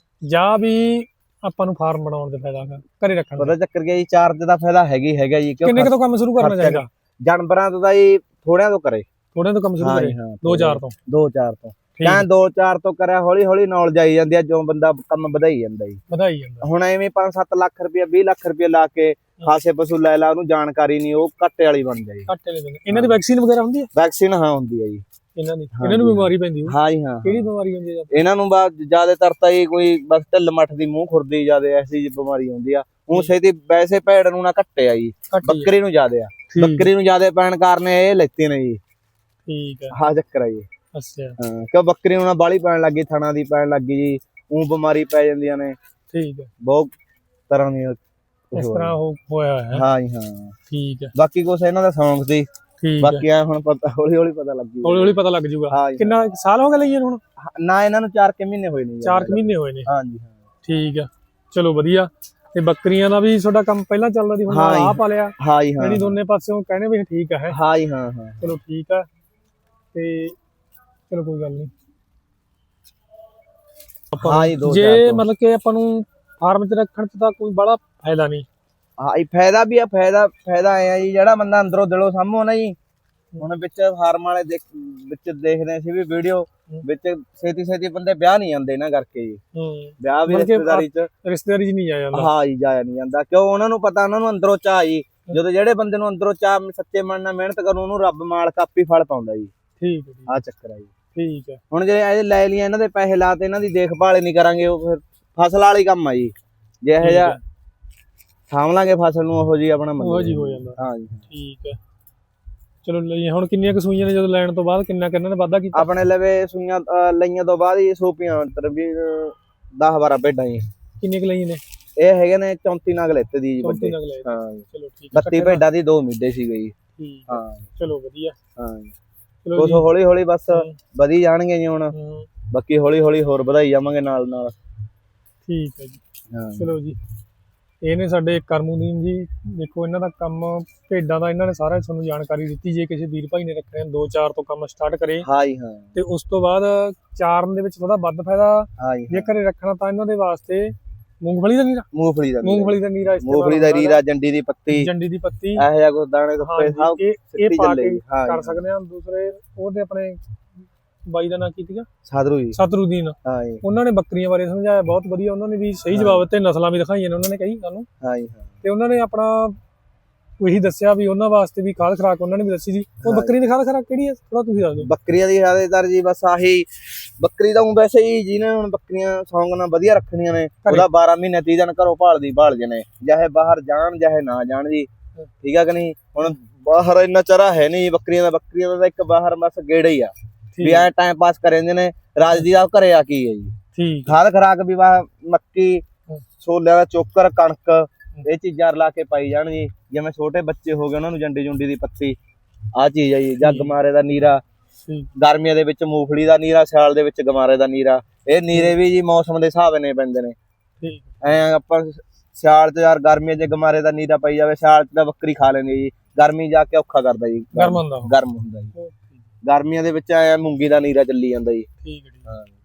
ਜਾਂ ਵੀ ਆਪਾਂ ਨੂੰ ਫਾਰਮ ਬਣਾਉਣ ਦੇ ਫਾਇਦਾ ਹੈਗਾ ਘਰੇ ਰੱਖਣ ਦਾ ਪਤਾ ਚੱਕਰ ਗਿਆ ਜੀ ਚਾਰਜ ਦਾ ਫਾਇਦਾ ਹੈਗੀ ਹੈਗਾ ਜੀ ਕਿੰਨੇ ਕੁ ਤੋਂ ਕੰਮ ਸ਼ੁਰੂ ਕਰਨਾ ਖਰਚਾ ਚਾਹੀਦਾ ਜਾਨਵਰਾਂ ਤੋਂ ਤਾਂ ਜੀ ਥੋੜਿਆਂ ਤੋਂ ਕਰੇ ਥੋੜੇ ਤੋਂ ਕੰਮ ਸ਼ੁਰੂ ਹਾਂ ਕਰੇ ਜੀ ਹਾਂ ਦੋ ਚਾਰ ਤੋਂ ਦੋ ਚਾਰ ਤੋਂ ਠੀਕ ਕਹਿੰ ਦੋ ਚਾਰ ਤੋਂ ਕਰਿਆ ਹੌਲੀ ਹੌਲੀ ਨੌਲੇਜ ਆਈ ਜਾਂਦੀ ਆ ਜੋ ਬੰਦਾ ਕੰਮ ਵਧਾਈ ਜਾਂਦਾ ਜੀ ਵਧਾਈ ਜਾਂਦਾ ਹੁਣ ਐਵੇਂ ਪੰਜ ਸੱਤ ਲੱਖ ਰੁਪਏ ਵੀਹ ਲੱਖ ਰੁਪਏ ਲਾ ਕੇ ਖਾਸੇ ਪਸ਼ੂ ਲੈ ਲਾ ਉਹਨੂੰ ਜਾਣਕਾਰੀ ਨਹੀਂ ਉਹ ਘੱਟੇ ਵਾਲੀ ਬਣ ਜਾਏ ਘੱਟੇ ਲੈ ਦਿੰਦੇ ਇਹਨਾਂ ਦੀ ਵੈਕਸੀਨ ਵਗੈਰਾ ਹੁੰਦੀ ਹੈ ਵੈਕਸੀਨ ਹਾਂ ਹੁੰਦੀ ਹੈ ਜੀ ਇਹਨਾਂ ਦੀ ਹਾਂ ਇਹਨਾਂ ਨੂੰ ਜੀ। ਬਿਮਾਰੀ ਪੈਂਦੀ ਹੋਊ ਹਾਂ ਜੀ ਹਾਂ ਕਿਹੜੀ ਬਿਮਾਰੀ ਹੁੰਦੀ ਹੈ ਇਹਨਾਂ ਨੂੰ ਬਾ ਜ਼ਿਆਦਾਤਰ ਤਾਂ ਇਹ ਕੋਈ ਬਸ ਢਿੱਲ ਮੱਠ ਦੀ ਮੂੰਹ ਖੁਰਦੀ ਜ਼ਿਆਦਾ ਐਸੀ ਜਿਹੀ ਬਿਮਾਰੀ ਹੁੰਦੀ ਆ ਉਹ ਛੇਤੀ ਵੈਸੇ ਭੇਡ ਨੂੰ ਨਾ ਘੱਟੇ ਆ ਜੀ ਬੱਕਰੀ ਨੂੰ ਜ਼ਿਆਦਾ ਆ ਬੱਕਰੀ ਨੂੰ ਜ਼ਿਆਦਾ ਪੈਣ ਕਾਰਨ ਇਹ ਲੈਤੀ ਨੇ ਜੀ ਠੀਕ ਹੈ ਹਾਂ ਚੱਕਰ ਆ ਜੀ ਅੱਛਾ ਹਾਂ ਕਿਉਂ ਬੱਕਰੀ ਨੂੰ ਨਾ ਬਾਲੀ ਪੈਣ ਲੱਗੀ ਥਣਾ ਦੀ ਪੈਣ ਲੱਗੀ ਜੀ ਉਹ ਬਿਮਾਰੀ ਪੈ ਜਾਂਦੀਆਂ ਨੇ ਠੀਕ ਹੈ ਬਹੁਤ ਤਰ੍ਹਾਂ ਦੀਆਂ ਇਸ ਤਰ੍ਹਾਂ ਹੋ ਹੋਇਆ ਹੈ ਹਾਂ ਜੀ ਹਾਂ ਠੀਕ ਹੈ ਬਾਕੀ ਕੁਛ ਇਹਨਾਂ ਦਾ ਸ਼ੌਂਕ ਸੀ ਠੀਕ ਹੈ ਬਾਕੀ ਆ ਹੁਣ ਪਤਾ ਹੌਲੀ ਹੌਲੀ ਪਤਾ ਲੱਗੀ ਹੌਲੀ ਹੌਲੀ ਪਤਾ ਲੱਗ ਜੂਗਾ ਹਾਂ ਜੀ ਕਿੰਨਾ ਸਾਲ ਹੋ ਗਏ ਲਈਏ ਨੂੰ ਹੁਣ ਨਾ ਇਹਨਾਂ ਨੂੰ ਚਾਰ ਕੇ ਮਹੀਨੇ ਹੋਏ ਨੇ ਜੀ ਚਾਰ ਕੁ ਮਹੀਨੇ ਹੋਏ ਨੇ ਹਾਂ ਜੀ ਹਾਂ ਠੀਕ ਆ ਚਲੋ ਵਧੀਆ ਤੇ ਬੱਕਰੀਆਂ ਦਾ ਵੀ ਤੁਹਾਡਾ ਕੰਮ ਪਹਿਲਾਂ ਚੱਲਦਾ ਸੀ ਹੁਣ ਹਾਂ ਜੀ। ਆਹ ਪਾਲਿਆ ਹਾਂ ਜੀ ਹਾਂ ਜਿਹੜੀ ਦੋਨੇ ਪਾਸਿਓਂ ਕਹਿੰਦੇ ਵੀ ਠੀਕ ਆ ਹੈ ਹਾਂ ਜੀ ਹਾਂ ਹਾਂ ਚਲੋ ਠੀਕ ਆ ਤੇ ਚਲੋ ਕੋਈ ਗੱਲ ਨਹੀਂ ਹਾਂ ਜੀ ਦੋ ਚਾਰ ਜੇ ਤੋਂ। ਮਤਲਬ ਕਿ ਆਪਾਂ ਨੂੰ ਫਾਰਮ 'ਚ ਰੱਖਣ 'ਚ ਤਾਂ ਕੋਈ ਬੜਾ ਫਾਇਦਾ ਨਹੀਂ ਹਾਂ ਇਹ ਫਾਇਦਾ ਵੀ ਆ ਫਾਇਦਾ ਫਾਇਦਾ ਆਇਆ ਜੀ ਜਿਹੜਾ ਬੰਦਾ ਅੰਦਰੋਂ ਦਿਲੋਂ ਸਾਹਮੋ ਨਾ ਜੀ ਹੁਣ ਵਿੱਚ ਫਾਰਮ ਵਾਲੇ ਦੇਖ ਵਿੱਚ ਦੇਖਦੇ ਸੀ ਵੀ ਵੀਡੀਓ ਵਿੱਚ ਛੇਤੀ ਛੇਤੀ ਬੰਦੇ ਵਿਆਹ ਨਹੀਂ ਜਾਂਦੇ ਨਾ ਕਰਕੇ ਜੀ ਹੂੰ ਵਿਆਹ ਵੀ ਮਤਲਬ ਕਿ ਰਿਸ਼ਤੇਦਾਰੀ ਚ ਰਿਸ਼ਤੇਦਾਰੀ 'ਚ ਨਹੀਂ ਜਾਇਆ ਜਾਂਦਾ ਹਾਂ ਜੀ ਜਾਇਆ ਨਹੀਂ ਜਾਂਦਾ ਕਿਉਂ ਉਹਨਾਂ ਨੂੰ ਪਤਾ ਉਹਨਾਂ ਨੂੰ ਅੰਦਰੋਂ ਚਾਹ ਜੀ ਜਦੋਂ ਜਿਹੜੇ ਬੰਦੇ ਨੂੰ ਅੰਦਰੋਂ ਚਾਹ ਸੱਚੇ ਮਨ ਨਾਲ ਮਿਹਨਤ ਕਰੂ ਉਹਨੂੰ ਰੱਬ ਮਾਲਕ ਆਪੇ ਫਲ ਪਾਉਂਦਾ ਜੀ ਠੀਕ ਹੈ ਠੀਕ ਆਹ ਚੱਕਰ ਆ ਜੀ ਠੀਕ ਹੈ ਹੁਣ ਜੇ ਇਹ ਲੈ ਲਈਆਂ ਇਹਨਾਂ ਦੇ ਪੈਸੇ ਲਾ ਤੇ ਇਹਨਾਂ ਦੀ ਦੇਖਭਾਲ ਹੀ ਨਹੀਂ ਕਰਾਂਗੇ ਉਹ ਫਿਰ ਫਸਲ ਵਾਲੀ ਕੰਮ ਆ ਜੀ ਜੇ ਇਹੋ ਜਿਹਾ ਸਾਂਭ ਲਾਂਗੇ ਫਸਲ ਨੂੰ ਉਹੋ ਜੀ ਆਪਣਾ ਉਹ ਜੀ ਹੋ ਜਾਂਦਾ ਹਾਂ ਜੀ ਠੀਕ ਹੈ ਚਲੋ ਲਈ ਹੁਣ ਕਿੰਨੀਆਂ ਕੁ ਸੂਈਆਂ ਨੇ ਜਦੋਂ ਲੈਣ ਤੋਂ ਬਾਅਦ ਕਿੰਨਾ ਕਿੰਨਾ ਨੇ ਵਾਧਾ ਕੀਤਾ ਆਪਣੇ ਲਵੇ ਸੂਈਆਂ ਅਹ ਲਈਆਂ ਤੋਂ ਬਾਅਦ ਹੀ ਸੋਪੀਆਂ ਅੰਤਰ ਵੀ ਦਸ ਬਾਰਾਂ ਭੇਡਾਂ ਜੀ ਕਿੰਨੇ ਕੁ ਲਈਆਂ ਨੇ ਇਹ ਹੈਗੇ ਨੇ ਚੌਂਤੀ ਨਗ ਲੈਤੇ ਦੀ ਜੀ ਚੌਂਤੀ ਵੱਡੇ ਨਗ ਲਏ ਹਾਂ ਜੀ ਚਲੋ ਠੀਕ ਹੈ ਬੱਤੀ ਭੇਡਾਂ ਦੀ ਦੋ ਮਿੱਡੇ ਸੀਗੇ ਜੀ ਠੀਕ ਹੈ ਹਾਂ ਚਲੋ ਵਧੀਆ ਹਾਂ ਜੀ ਚਲੋ ਕੁਛ ਜੀ ਹੌਲੀ ਹੌਲੀ ਬਸ ਹੂੰ, ਵਧੀ ਜਾਣਗੇ ਜੀ ਹੁਣ ਹੂੰ, ਬਾਕੀ ਹੌਲੀ ਹੌਲੀ ਹੋਰ ਵਧਾਈ ਜਾਵਾਂਗੇ ਨਾਲ ਨਾਲ ਠੀਕ ਹੈ ਜੀ ਹਾਂ ਚਲੋ ਜੀ ਇਹ ਨੇ ਸਾਡੇ ਕਰਮੂਦੀਨ ਜੀ ਦੇਖੋ ਇਹਨਾਂ ਦਾ ਕੰਮ ਭੇਡਾਂ ਦਾ ਇਹਨਾਂ ਨੇ ਸਾਰਾ ਤੁਹਾਨੂੰ ਜਾਣਕਾਰੀ ਦਿੱਤੀ ਜੇ ਕਿਸੇ ਵੀਰ ਭਾਈ ਨੇ ਰੱਖਣੇ ਦੋ ਚਾਰ ਤੋਂ ਕੰਮ ਸਟਾਰਟ ਕਰੇ ਹਾਂ ਜੀ ਹਾਂ ਤੇ ਉਸ ਤੋਂ ਬਾਅਦ ਚਾਰਨ ਦੇ ਵਿੱਚ ਥੋੜਾ ਵੱਧ ਫਾਇਦਾ ਹਾਂ ਜੀ ਜੇ ਘਰੇ ਰੱਖਣਾ ਤਾਂ ਇਹਨਾਂ ਦੇ ਵਾਸਤੇ ਮੂੰਗਫਲੀ ਦਾ ਨੀਰਾ ਮੂੰਗਫਲੀ ਦਾ ਨੀਰਾ ਮੂੰਗਫਲੀ ਦਾ ਨੀਰਾ ਇਸਤੇਮਾਲ ਮੂੰਗਫਲੀ ਦਾ ਹੁੰਦਾ ਰੀਰਾ ਜੰਡੀ ਦੀ ਪੱਤੀ ਜੰਡੀ ਦੀ ਪੱਤੀ ਇਹੋ ਜਿਹਾ ਕੁਛ ਦਾਣੇ ਦੁੱਪੇ ਹਾਂਜੀ, ਸਭ ਇਹ ਇਹ ਸਿੱਟੀ ਪਾ ਚੱਲੇ ਕੇ ਜੀ। ਹਾਂ ਕਰ ਜੀ, ਸਕਦੇ ਹਾਂ। ਦੂਸਰੇ ਉਹਦੇ ਆਪਣੇ ਬਾਈ ਦਾ ਨਾਂ ਕੀ ਸੀਗਾ ਸਾਧਰੂ ਜੀ ਸਤਰੂਦੀਨ, ਹਾਂ ਜੀ ਉਹਨਾਂ ਨੇ ਬੱਕਰੀਆਂ ਬਾਰੇ ਸਮਝਾਇਆ ਬਹੁਤ ਵਧੀਆ। ਉਹਨਾਂ ਨੇ ਵੀ ਸਹੀ ਜਵਾਬ ਦਿੱਤੇ, ਨਸਲਾਂ ਵੀ ਦਿਖਾਈਆਂ ਨੇ ਉਹਨਾਂ ਨੇ ਕਈ ਸਾਨੂੰ, ਹਾਂ ਜੀ ਹਾਂ ਤੇ ਉਹਨਾਂ ਨੇ ਆਪਣਾ ਉਹੀ ਦੱਸਿਆ ਵੀ ਉਹਨਾਂ ਵਾਸਤੇ ਵੀ ਖਾਦ ਖਰਾਕ ਉਹਨਾਂ ਨੇ ਵੀ ਦੱਸੀ ਸੀ। ਉਹ ਹਾਂ। ਬੱਕਰੀ ਦੀ ਖਾਦ ਖਰਾਕ ਕਿਹੜੀ ਹੈ ਥੋੜਾ ਤੁਸੀਂ ਦੱਸ ਦਿਓ। ਬੱਕਰੀਆਂ ਦੀ ਜ਼ਿਆਦਾਤਰ ਜੀ ਬਸ ਆਹੀ ਬੱਕਰੀ ਦਾ ਊਂ ਵੈਸੇ ਹੀ ਜਿਹਨੇ ਹੁਣ ਬੱਕਰੀਆਂ ਸੌਂਗ ਨਾਲ ਵਧੀਆ ਰੱਖਣੀਆਂ ਨੇ ਉਹਦਾ ਬਾਰਾਂ ਮਹੀਨੇ ਤੀਹ ਦਿਨ ਘਰੋਂ ਭਾਲਦੀ ਭਾਲ ਜਨੇ, ਚਾਹੇ ਬਾਹਰ ਜਾਣ ਚਾਹੇ ਨਾ ਜਾਣ ਜੀ, ਠੀਕ ਆ ਕਿ ਨਹੀਂ। ਹੁਣ ਬਾਹਰ ਇੰਨਾ ਚਰਾ ਹੈ ਨਹੀਂ ਬੱਕਰੀਆਂ ਦਾ, ਬੱਕਰੀਆਂ ਦਾ ਤਾਂ ਇੱਕ ਬਾਹਰ ਬਸ ਗੇੜਾ ਹੀ ਆ ਵੀ ਐ ਟਾਈਮ ਪਾਸ ਕਰ ਜਾਂਦੇ ਨੇ। ਰਾਜਦੀ ਦਾ ਘਰੇ ਆ ਕੀ ਹੈ ਜੀ, ਠੀਕ ਖਾਦ ਖਰਾਕ ਵੀ ਵਾ ਮੱਕੀ ਛੋਲਿਆਂ ਦਾ ਚੋਕਰ ਕਣਕ ਇਹ ਚੀਜ਼ਾਂ ਰਲਾ ਕੇ ਪਾਈ ਜਾਣ ਜੀ। ਜਿਵੇਂ ਛੋਟੇ ਬੱਚੇ ਹੋ ਗਏ ਉਹਨਾਂ ਨੂੰ ਜੰਡੀ ਜੁੰਡੀ ਦੀ ਪੱਤੀ ਆਹ ਚੀਜ਼ ਹੈ ਜੀ। ਜੱਗ ਮਾਰੇ ਦਾ ਨੀਰਾ, ਠੀਕ ਗਰਮੀਆਂ ਦੇ ਵਿੱਚ ਮੂੰਗਫਲੀ ਦਾ ਨੀਰਾ, ਸਿਆਲ ਦੇ ਵਿੱਚ ਗਮਾਰੇ ਦਾ ਨੀਰਾ। ਇਹ ਨੀਰੇ ਵੀ ਜੀ ਮੌਸਮ ਦੇ ਹਿਸਾਬ ਨਾਲ ਪੈਂਦੇ ਨੇ। ਠੀਕ ਐ ਆਪਾਂ ਸਿਆਲ ਚ ਯਾਰ ਗਰਮੀਆਂ ਚ ਗਮਾਰੇ ਦਾ ਨੀਰਾ ਪਈ ਜਾਵੇ, ਸਿਆਲ ਚ ਤਾਂ ਬੱਕਰੀ ਖਾ ਲੈਂਦੀ ਜੀ, ਗਰਮੀ ਜਾ ਕੇ ਔਖਾ ਕਰਦਾ ਜੀ, ਗਰਮ ਹੁੰਦਾ ਉਹ। ਗਰਮ ਹੁੰਦਾ ਜੀ। ਗਰਮੀਆਂ ਦੇ ਵਿੱਚ ਐ ਮੂੰਗੀ ਦਾ ਨੀਰਾ ਚੱਲੀ ਜਾਂਦਾ ਜੀ। ਠੀਕ ਹੈ, ਠੀਕ। ਹਾਂ।